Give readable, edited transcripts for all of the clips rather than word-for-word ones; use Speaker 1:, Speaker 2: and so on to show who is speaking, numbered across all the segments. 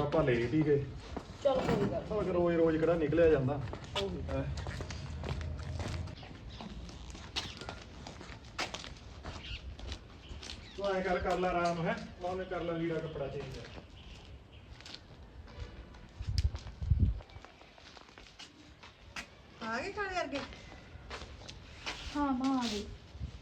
Speaker 1: ਆਪਾਂ ਲੇਟ ਹੀ ਗਏ।
Speaker 2: ਚੱਲ ਕੋਈ ਗੱਲ
Speaker 1: ਪਰ ਰੋਜ਼ ਰੋਜ਼ ਕਿਹੜਾ ਨਿਕਲਿਆ ਜਾਂਦਾ। ਹੈਂ। ਤੂੰ ਐਂ ਕਰ ਲੈ ਆਰਾਮ ਹੈ, ਉਹਨੇ ਕਰ ਲੈ ਲੀੜਾ ਕੱਪੜਾ ਚੇਂਜ।
Speaker 3: ਆ ਗਏ ਖਾਣੇ ਵਰਗੇ?
Speaker 2: ਹਾਂ ਮਾਂ ਆ ਗਈ।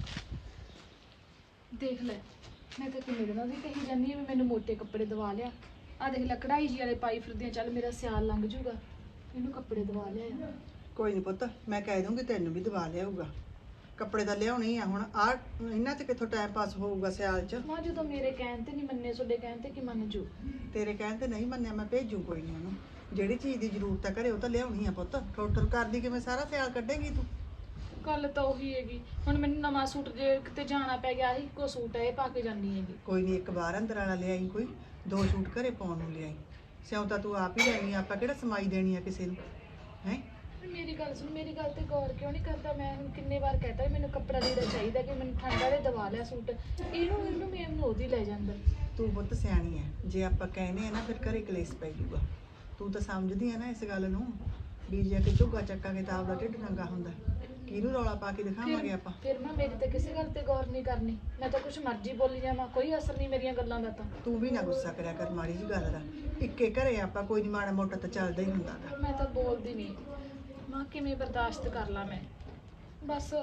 Speaker 2: ਦੇਖ ਲੈ, ਮੈਂ ਤਾਂ ਕਿੰਨੇ ਦਿਨਾਂ ਦੀ ਕਹੀ ਜਾਂਦੀ ਵੀ ਮੈਨੂੰ ਮੋਟੇ ਕੱਪੜੇ ਦਵਾ ਲਿਆ। ਆ ਦੇਖ ਲੈ ਕਢਾਈ ਜੀ ਵਾਲੇ ਪਾਈ ਫਿਰਦੀਆਂ, ਚੱਲ ਮੇਰਾ ਸਿਆਲ ਲੰਘ ਜੂਗਾ, ਇਹਨੂੰ ਕੱਪੜੇ ਦਵਾ ਲਿਆ।
Speaker 3: ਕੋਈ ਨਹੀਂ ਪੁੱਤ, ਮੈਂ ਕਹਿ ਦੂੰਗੀ ਤੈਨੂੰ ਵੀ ਦਵਾ ਲਿਆਊਗਾ। ਕੱਪੜੇ ਤਾਂ ਲਿਆਉਣੇ ਹੀ ਆ ਹੁਣ। ਆ ਇਹਨਾਂ 'ਚ ਕਿੱਥੋਂ ਟਾਈਮ ਪਾਸ ਹੋਊਗਾ ਸਿਆਲ 'ਚ?
Speaker 2: ਮਾਂ ਜਦੋਂ ਮੇਰੇ ਕਹਿਣ ਤੇ ਨਹੀਂ ਮੰਨੇ, ਤੁਹਾਡੇ ਕਹਿਣ ਤੇ ਕੀ ਮੰਨ ਜੂ?
Speaker 3: ਤੇਰੇ ਕਹਿਣ ਤੇ ਨਹੀਂ ਮੰਨਿਆ, ਮੈਂ ਭੇਜੂ ਕੋਈ ਨਹੀਂ ਉਹਨੂੰ। ਜਿਹੜੀ ਚੀਜ਼ ਦੀ ਜ਼ਰੂਰਤ ਹੈ ਘਰੇ ਉਹ ਤਾਂ ਲਿਆਉਣੀ ਆ ਪੁੱਤ। ਠੋਠਰ ਕਰਦੀ ਕਿਵੇਂ ਸਾਰਾ ਸਿਆਲ ਕੱਢੇਗੀ ਤੂੰ?
Speaker 2: ਗੱਲ ਤਾਂ ਉਹੀ ਹੈਗੀ, ਹੁਣ ਮੈਨੂੰ ਨਵਾਂ ਸੂਟ ਜੇ ਕਿਤੇ ਜਾਣਾ ਪੈ ਗਿਆ, ਆਹੀ ਇੱਕੋ ਸੂਟ ਹੈ, ਇਹ ਪਾ ਕੇ ਜਾਣੀ ਹੈਗੀ।
Speaker 3: ਕੋਈ ਨਹੀਂ, ਇੱਕ ਬਾਹਰ ਅੰਦਰ ਵਾਲਾ ਲਿਆਈ, ਕੋਈ 2 ਸੂਟ ਘਰੇ ਪਾਉਣ ਨੂੰ ਲਿਆਈ। ਸਿਉਂ ਤਾਂ ਤੂੰ ਆਪ ਹੀ ਲੈਣੀ ਆ, ਆਪਾਂ ਕਿਹੜਾ ਸਮਾਈ ਦੇਣੀ ਆ ਕਿਸੇ ਨੂੰ ਹੈ?
Speaker 2: ਮੇਰੀ ਗੱਲ ਸੁਣ, ਮੇਰੀ ਗੱਲ ਤੇ ਗੌਰ ਕਿਉਂ ਨਹੀਂ ਕਰਦਾ? ਮੈਂ ਹੁਣ ਕਿੰਨੇ ਵਾਰ ਕਹਤਾ ਵੀ ਮੈਨੂੰ ਕੱਪੜਾ ਲੀੜਾ ਚਾਹੀਦਾ, ਕਿ ਮੈਨੂੰ ਠੰਡਾ ਦੇ ਦਵਾ ਲਿਆ ਸੂਟ। ਇਹਨੂੰ ਮੈਨੂੰ ਉਹਦੀ ਲੈ ਜਾਂਦਾ।
Speaker 3: ਤੂੰ ਪੁੱਤ ਸਿਆਣੀ ਹੈ, ਜੇ ਆਪਾਂ ਕਹਿੰਦੇ ਆ ਨਾ ਫਿਰ ਘਰੇ ਕਲੇਸ਼ ਪੈ ਜਾਊਗਾ। ਤੂੰ ਤਾਂ ਸਮਝਦੀ ਆ ਨਾ ਇਸ ਗੱਲ ਨੂੰ ਵੀ ਜੇ ਕਿ ਝੁੱਗਾ ਚੱਕਾਂਗੇ ਤਾਂ ਆਪਦਾ ਢਿੱਡ ਨੰਗਾ ਹੁੰਦਾ। ਕਿਹਨੂੰ ਰੌਲਾ ਪਾ ਕੇ ਦਿਖਾਵਾਂਗੇ ਆਪਾਂ?
Speaker 2: ਫਿਰ ਮੈਂ ਮੇਰੀ ਤਾਂ ਕਿਸੇ ਗੱਲ ਤੇ ਗੌਰ ਨਹੀਂ ਕਰਨੀ, ਮੈਂ ਤਾਂ ਕੁਛ ਮਰਜ਼ੀ ਬੋਲੀ ਜਾਵਾਂ, ਕੋਈ ਅਸਰ ਨਹੀਂ ਮੇਰੀਆਂ ਗੱਲਾਂ ਦਾ। ਤਾਂ
Speaker 3: ਤੂੰ ਵੀ ਨਾ ਗੁੱਸਾ ਕਰਿਆ ਕਰ ਮਾੜੀ ਜੀ ਗੱਲ ਦਾ। ਇੱਕੇ ਘਰੇ ਆਪਾਂ ਕੋਈ ਨਹੀਂ, ਮਾੜਾ ਮੋਟਾ ਤਾਂ ਚੱਲਦਾ ਹੀ ਹੁੰਦਾ ਗਾ।
Speaker 2: ਮੈਂ ਤਾਂ ਬੋਲਦੀ ਨਹੀਂ ਮਾਂ, ਕਿਵੇਂ ਬਰਦਾਸ਼ਤ ਕਰ ਲਾਂ ਮੈਂ? ਬਸ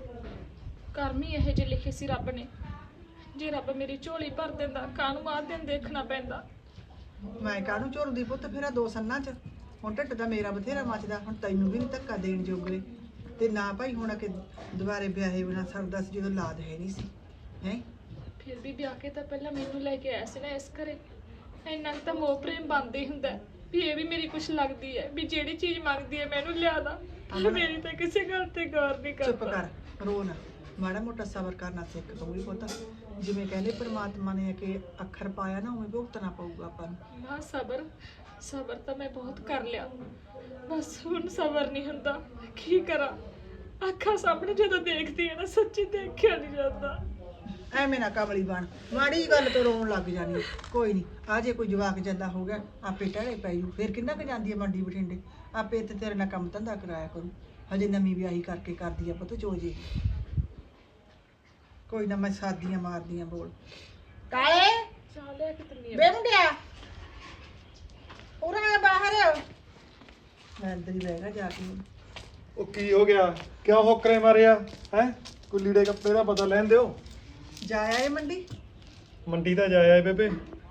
Speaker 2: ਕਰਮ ਹੀ ਇਹੋ ਜਿਹੇ ਲਿਖੇ ਸੀ ਰੱਬ ਨੇ। ਜੇ ਰੱਬ ਮੇਰੀ ਝੋਲੀ ਭਰ ਦਿੰਦਾ, ਕਾਹਨੂੰ ਆਹ ਦਿਨ ਦੇਖਣਾ ਪੈਂਦਾ?
Speaker 3: ਮੈਂ ਕਾਹਨੂੰ ਝੁਰਦੀ ਪੁੱਤ ਫਿਰ ਆ 2 ਸੰਨਾਂ 'ਚ? ਹੁਣ ਢਿੱਡ ਤਾਂ ਮੇਰਾ ਬਥੇਰਾ ਮੱਚਦਾ, ਹੁਣ ਤੈਨੂੰ ਵੀ ਨਹੀਂ ਧੱਕਾ ਦੇਣ ਜੋਗਰੇ। ਤੇ ਨਾ ਭਾਈ ਹੁਣ ਕਿ ਦੁਬਾਰੇ ਵਿਆਹੇ ਬਿਨਾ ਸਰਦਾ ਸੀ ਜਦੋਂ ਲਾਦ ਹੈ ਨਹੀਂ ਸੀ ਹੈ।
Speaker 2: ਫਿਰ ਵੀ ਵਿਆਹ ਕੇ ਤਾਂ ਪਹਿਲਾਂ ਮੈਨੂੰ ਲੈ ਕੇ ਆਇਆ ਸੀ ਨਾ ਇਸ ਘਰੇ। ਇੰਨਾ ਕੁ ਤਾਂ ਮੋਹ ਪ੍ਰੇਮ ਬਣਦਾ ਹੀ ਹੁੰਦਾ ਵੀ ਇਹ ਵੀ ਮੇਰੀ ਕੁਛ ਲੱਗਦੀ ਹੈ, ਵੀ ਜਿਹੜੀ ਚੀਜ਼ ਮੰਗਦੀ ਹੈ ਮੈਨੂੰ ਲਿਆ ਦਾ। ਮੇਰੀ ਤਾਂ ਕਿਸੇ ਗੱਲ ਤੇ ਗੌਰ ਨਹੀਂ ਕਰਦਾ।
Speaker 3: ਚੁੱਪ ਕਰ, ਰੋ ਨਾ, ਮਾੜਾ ਮੋਟਾ ਸਬਰ ਕਰਨਾ ਸਿੱਖ ਤੂੰ ਵੀ ਪੁੱਤ। ਜਿਵੇਂ ਕਹਿੰਦੇ ਪ੍ਰਮਾਤਮਾ ਨੇ ਕਿ ਅੱਖਰ ਪਾਇਆ ਨਾ, ਉਵੇਂ ਭੁਗਤਣਾ ਪਊਗਾ ਆਪਾਂ ਨੂੰ।
Speaker 2: ਮਾਂ ਸਬਰ ਤਾਂ ਮੈਂ ਬਹੁਤ ਕਰ ਲਿਆ, ਬਸ ਹੁਣ ਸਬਰ ਨਹੀਂ ਹੁੰਦਾ। ਕੀ ਕਰਾਂ? ਅੱਖਾਂ ਸਾਹਮਣੇ ਜਦੋਂ ਦੇਖਦੀ ਹੈ ਨਾ, ਸੱਚੀ ਦੇਖਿਆ ਨਹੀਂ ਜਾਂਦਾ।
Speaker 3: ਐਵੇਂ ਨਾ ਕਮਲੀ ਬਣ, ਮਾੜੀ ਜਿਹੀ ਗੱਲ ਤੋਂ ਰੋਣ ਲੱਗ ਜਾਣੀ। ਕੋਈ ਨਹੀਂ, ਆ ਜੇ ਕੋਈ ਜਵਾਕ ਜਾਂਦਾ ਹੋ ਗਿਆ ਆਪੇ ਟਹਿਲੇ ਪੈ ਜੂ। ਫਿਰ ਕਿੰਨਾ ਕੁ ਜਾਂਦੀ ਹੈ ਮੰਡੀ ਬਠਿੰਡੇ, ਆਪੇ ਇੱਥੇ ਤੇਰੇ ਨਾਲ ਕੰਮ ਧੰਦਾ ਕਰਾਇਆ ਕਰੂ। ਹਜੇ ਨਵੀਂ ਵਿਆਹੀ ਕਰਕੇ ਕਰਦੀ ਆ ਪੁੱਤ ਚੋਜੇ। ਕੋਈ ਨਾ, ਮੈਂ ਸਾਦੀਆਂ ਮਾਰਦੀਆਂ ਬੋਲ। ਕਾਲੇ
Speaker 2: ਚਾਹ ਲੈ ਕੇ ਤੰਨੀ
Speaker 3: ਬੇ ਮੁੰਡਿਆ, ਉਰਾ ਬਾਹਰ। ਮੈਂ ਅੰਦਰ ਹੀ ਬਹਿ ਗਿਆ ਜਾ ਕੇ।
Speaker 1: ਉਹ ਕੀ ਹੋ ਗਿਆ? ਕਿਉਂ ਹੋਕਰੇ ਮਾਰਿਆ ਹੈ? ਕੋਈ ਲੀੜੇ ਕੱਪੜੇ ਦਾ ਪਤਾ ਲੈਣ ਦਿਓ।
Speaker 3: ਜਾਇਆ ਏ ਮੰਡੀ?
Speaker 1: ਮੰਡੀ ਤਾਂ ਜਾਇਆ ਏ ਬੇਬੇ।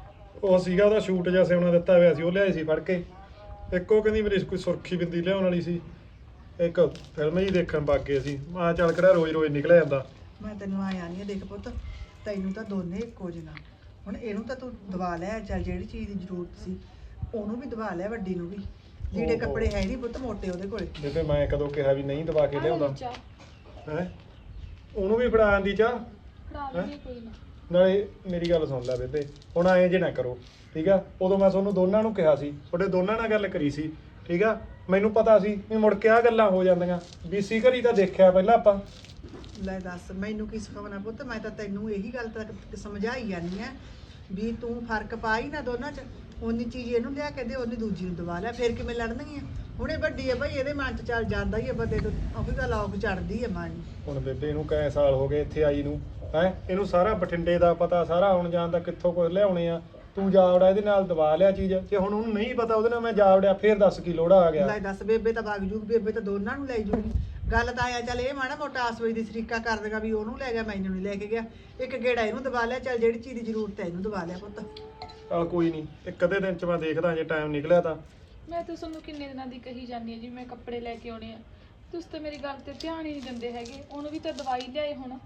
Speaker 1: ਉਹ ਸੀਗਾ ਉਹਦਾ ਸ਼ੂਟ ਜਿਹਾ ਸਿਉਣਾ ਦਿੱਤਾ ਹੋਇਆ ਸੀ, ਉਹ ਲਿਆਏ ਸੀ ਫੜ ਕੇ। ਇੱਕ ਉਹ ਕਹਿੰਦੀ ਮੇਰੀ ਕੋਈ ਸੁਰਖੀ ਬਿੰਦੀ ਲਿਆਉਣ ਵਾਲੀ ਸੀ। ਇੱਕ ਫਿਲਮ ਹੀ ਦੇਖਣ ਵਗ ਗਏ ਸੀ। ਮੈਂ ਚੱਲ ਕਿਹੜਾ ਰੋਜ਼ ਰੋਜ਼ ਨਿਕਲਿਆ ਜਾਂਦਾ।
Speaker 3: ਮੈਂ ਤੈਨੂੰ ਆਇਆ ਨਹੀਂ, ਦੇਖ ਪੁੱਤ, ਤੈਨੂੰ ਤਾਂ ਦੋਨੇ ਇੱਕੋ ਜਿਹਾ। ਹੁਣ ਇਹਨੂੰ ਤਾਂ ਤੂੰ ਦਵਾ ਲਿਆ, ਚੱਲ ਜਿਹੜੀ ਚੀਜ਼ ਦੀ ਜ਼ਰੂਰਤ ਸੀ ਉਹਨੂੰ ਵੀ ਦਵਾ ਲਿਆ, ਵੱਡੀ ਨੂੰ ਵੀ। ਲੀੜੇ ਕੱਪੜੇ ਹੈ ਨਹੀਂ ਪੁੱਤ ਮੋਟੇ ਉਹਦੇ ਕੋਲੇ।
Speaker 1: ਬੇਬੇ ਮੈਂ ਕਦੋਂ ਕਿਹਾ ਵੀ ਨਹੀਂ ਦਵਾ ਕੇ ਲਿਆਉਂਦਾ
Speaker 2: ਚਾਹ
Speaker 1: ਹੈ? ਉਹਨੂੰ ਵੀ ਫੜਾ ਆਂਦੀ ਚਾਹ।
Speaker 2: ਫੜਾ ਲਈ ਕੋਈ ਨਾ।
Speaker 1: ਨਾਲੇ ਮੇਰੀ ਗੱਲ ਸੁਣ ਲੈ ਬੇਬੇ, ਹੁਣ ਐਂ ਜੇ ਨਾ ਕਰੋ ਠੀਕ ਆ। ਉਦੋਂ ਮੈਂ ਤੁਹਾਨੂੰ ਦੋਨਾਂ ਨੂੰ ਕਿਹਾ ਸੀ, ਤੁਹਾਡੇ ਦੋਨਾਂ ਨਾਲ ਗੱਲ ਕਰੀ ਸੀ ਠੀਕ ਆ। ਮੈਨੂੰ ਪਤਾ ਸੀ ਵੀ ਮੁੜ ਕੇ ਆ ਗੱਲਾਂ ਹੋ ਜਾਂਦੀਆਂ। ਬੀਸੀ ਘਰੀ ਤਾਂ ਦੇਖਿਆ ਪਹਿਲਾਂ ਆਪਾਂ।
Speaker 3: ਲੈ ਦੱਸ, ਮੈਨੂੰ ਕੀ ਸਿਖਾਉਣਾ ਪੁੱਤ? ਮੈਂ ਤਾਂ ਤੈਨੂੰ ਇਹੀ ਗੱਲ ਤੱਕ ਸਮਝਾਈ ਜਾਂਦੀ ਆ ਵੀ ਤੂੰ ਫਰਕ ਪਾ ਹੀ ਨਾ ਦੋਨਾਂ 'ਚ। ਉਨੀ ਚੀਜ਼ ਇਹਨੂੰ ਲਿਆ ਕੇ ਦੇ, ਉਹਨੇ ਦੂਜੀ ਨੂੰ ਦਵਾ ਲਿਆ, ਫਿਰ ਕਿਵੇਂ ਲੜਨਗੀਆਂ? ਹੁਣੇ ਵੱਡੀ ਹੈ ਭਾਈ, ਇਹਦੇ ਮਨ 'ਚ ਚੱਲ ਜਾਂਦਾ ਹੀ ਹੈ ਬੰਦੇ ਤੋਂ, ਉਹੀ ਗੱਲ ਔਖ ਚੜਦੀ ਹੈ ਮਨ ਨੂੰ।
Speaker 1: ਹੁਣ ਬੇਬੇ ਇਹਨੂੰ ਕਈ ਸਾਲ ਹੋ ਗਏ ਇੱਥੇ ਆਈ ਨੂੰ ਹੈ। ਇਹਨੂੰ ਸਾਰਾ ਬਠਿੰਡੇ ਦਾ ਪਤਾ, ਸਾਰਾ ਆਉਣ ਜਾਣ ਦਾ, ਕਿੱਥੋਂ ਕੁਝ ਲਿਆਉਣੇ ਆ। ਤੂੰ ਜਾਵੜਾ ਇਹਦੇ ਨਾਲ ਦਵਾ ਲਿਆ ਚੀਜ਼। ਜੇ ਹੁਣ ਉਹਨੂੰ ਨਹੀਂ ਪਤਾ ਉਹਦੇ ਨਾਲ ਮੈਂ ਜਾਵੜਿਆ, ਫੇਰ ਦੱਸ ਕੀ ਲੋੜਾ ਆ ਗਿਆ?
Speaker 3: ਲੈ ਦੱਸ, ਬੇਬੇ ਤਾਂ ਵਗ ਜੂਗੀ, ਬੇਬੇ ਤਾਂ ਦੋਨਾਂ ਨੂੰ ਲੈ ਜੂਗੀ। ਗੱਲ ਤਾਂ ਆਇਆ ਚੱਲ ਇਹ ਮਾੜਾ ਮੋਟਾ ਆਸਵੇ ਦੀ ਸਰੀਕਾ ਕਰ ਦੇਗਾ ਵੀ ਉਹਨੂੰ ਲੈ ਗਿਆ ਮੈਨੂੰ ਨਹੀਂ ਲੈ ਕੇ ਗਿਆ। ਇੱਕ ਗੇੜਾ ਇਹਨੂੰ ਦਵਾ ਲਿਆ, ਚੱਲ ਜਿਹੜੀ ਚੀਜ਼ ਦੀ ਜ਼ਰੂਰਤ ਹੈ ਇਹਨੂੰ ਦਵਾ ਲਿਆ ਪੁੱਤ।
Speaker 1: ਚੱਲ ਕੋਈ ਨਹੀਂ, ਇੱਕ ਅੱਧੇ ਦਿਨ 'ਚ ਮੈਂ ਦੇਖਦਾ ਜੇ ਟਾਈਮ ਨਿਕਲਿਆ ਤਾਂ।
Speaker 2: ਮੈਂ ਤਾਂ ਤੁਹਾਨੂੰ ਕਿੰਨੇ ਦਿਨਾਂ ਦੀ ਕਹੀ ਜਾਂਦੀ ਹਾਂ ਜੀ, ਮੈਂ ਕੱਪੜੇ ਲੈ ਕੇ ਆਉਣੇ ਆ। ਤੁਸੀਂ ਤਾਂ ਮੇਰੀ ਗੱਲ ਤੇ ਧਿਆਨ ਹੀ ਨਹੀਂ ਦਿੰਦੇ ਹੈਗੇ। ਉਹਨੂੰ ਵੀ ਤਾਂ ਦਵਾਈ ਲਿਆਏ ਹੁਣ।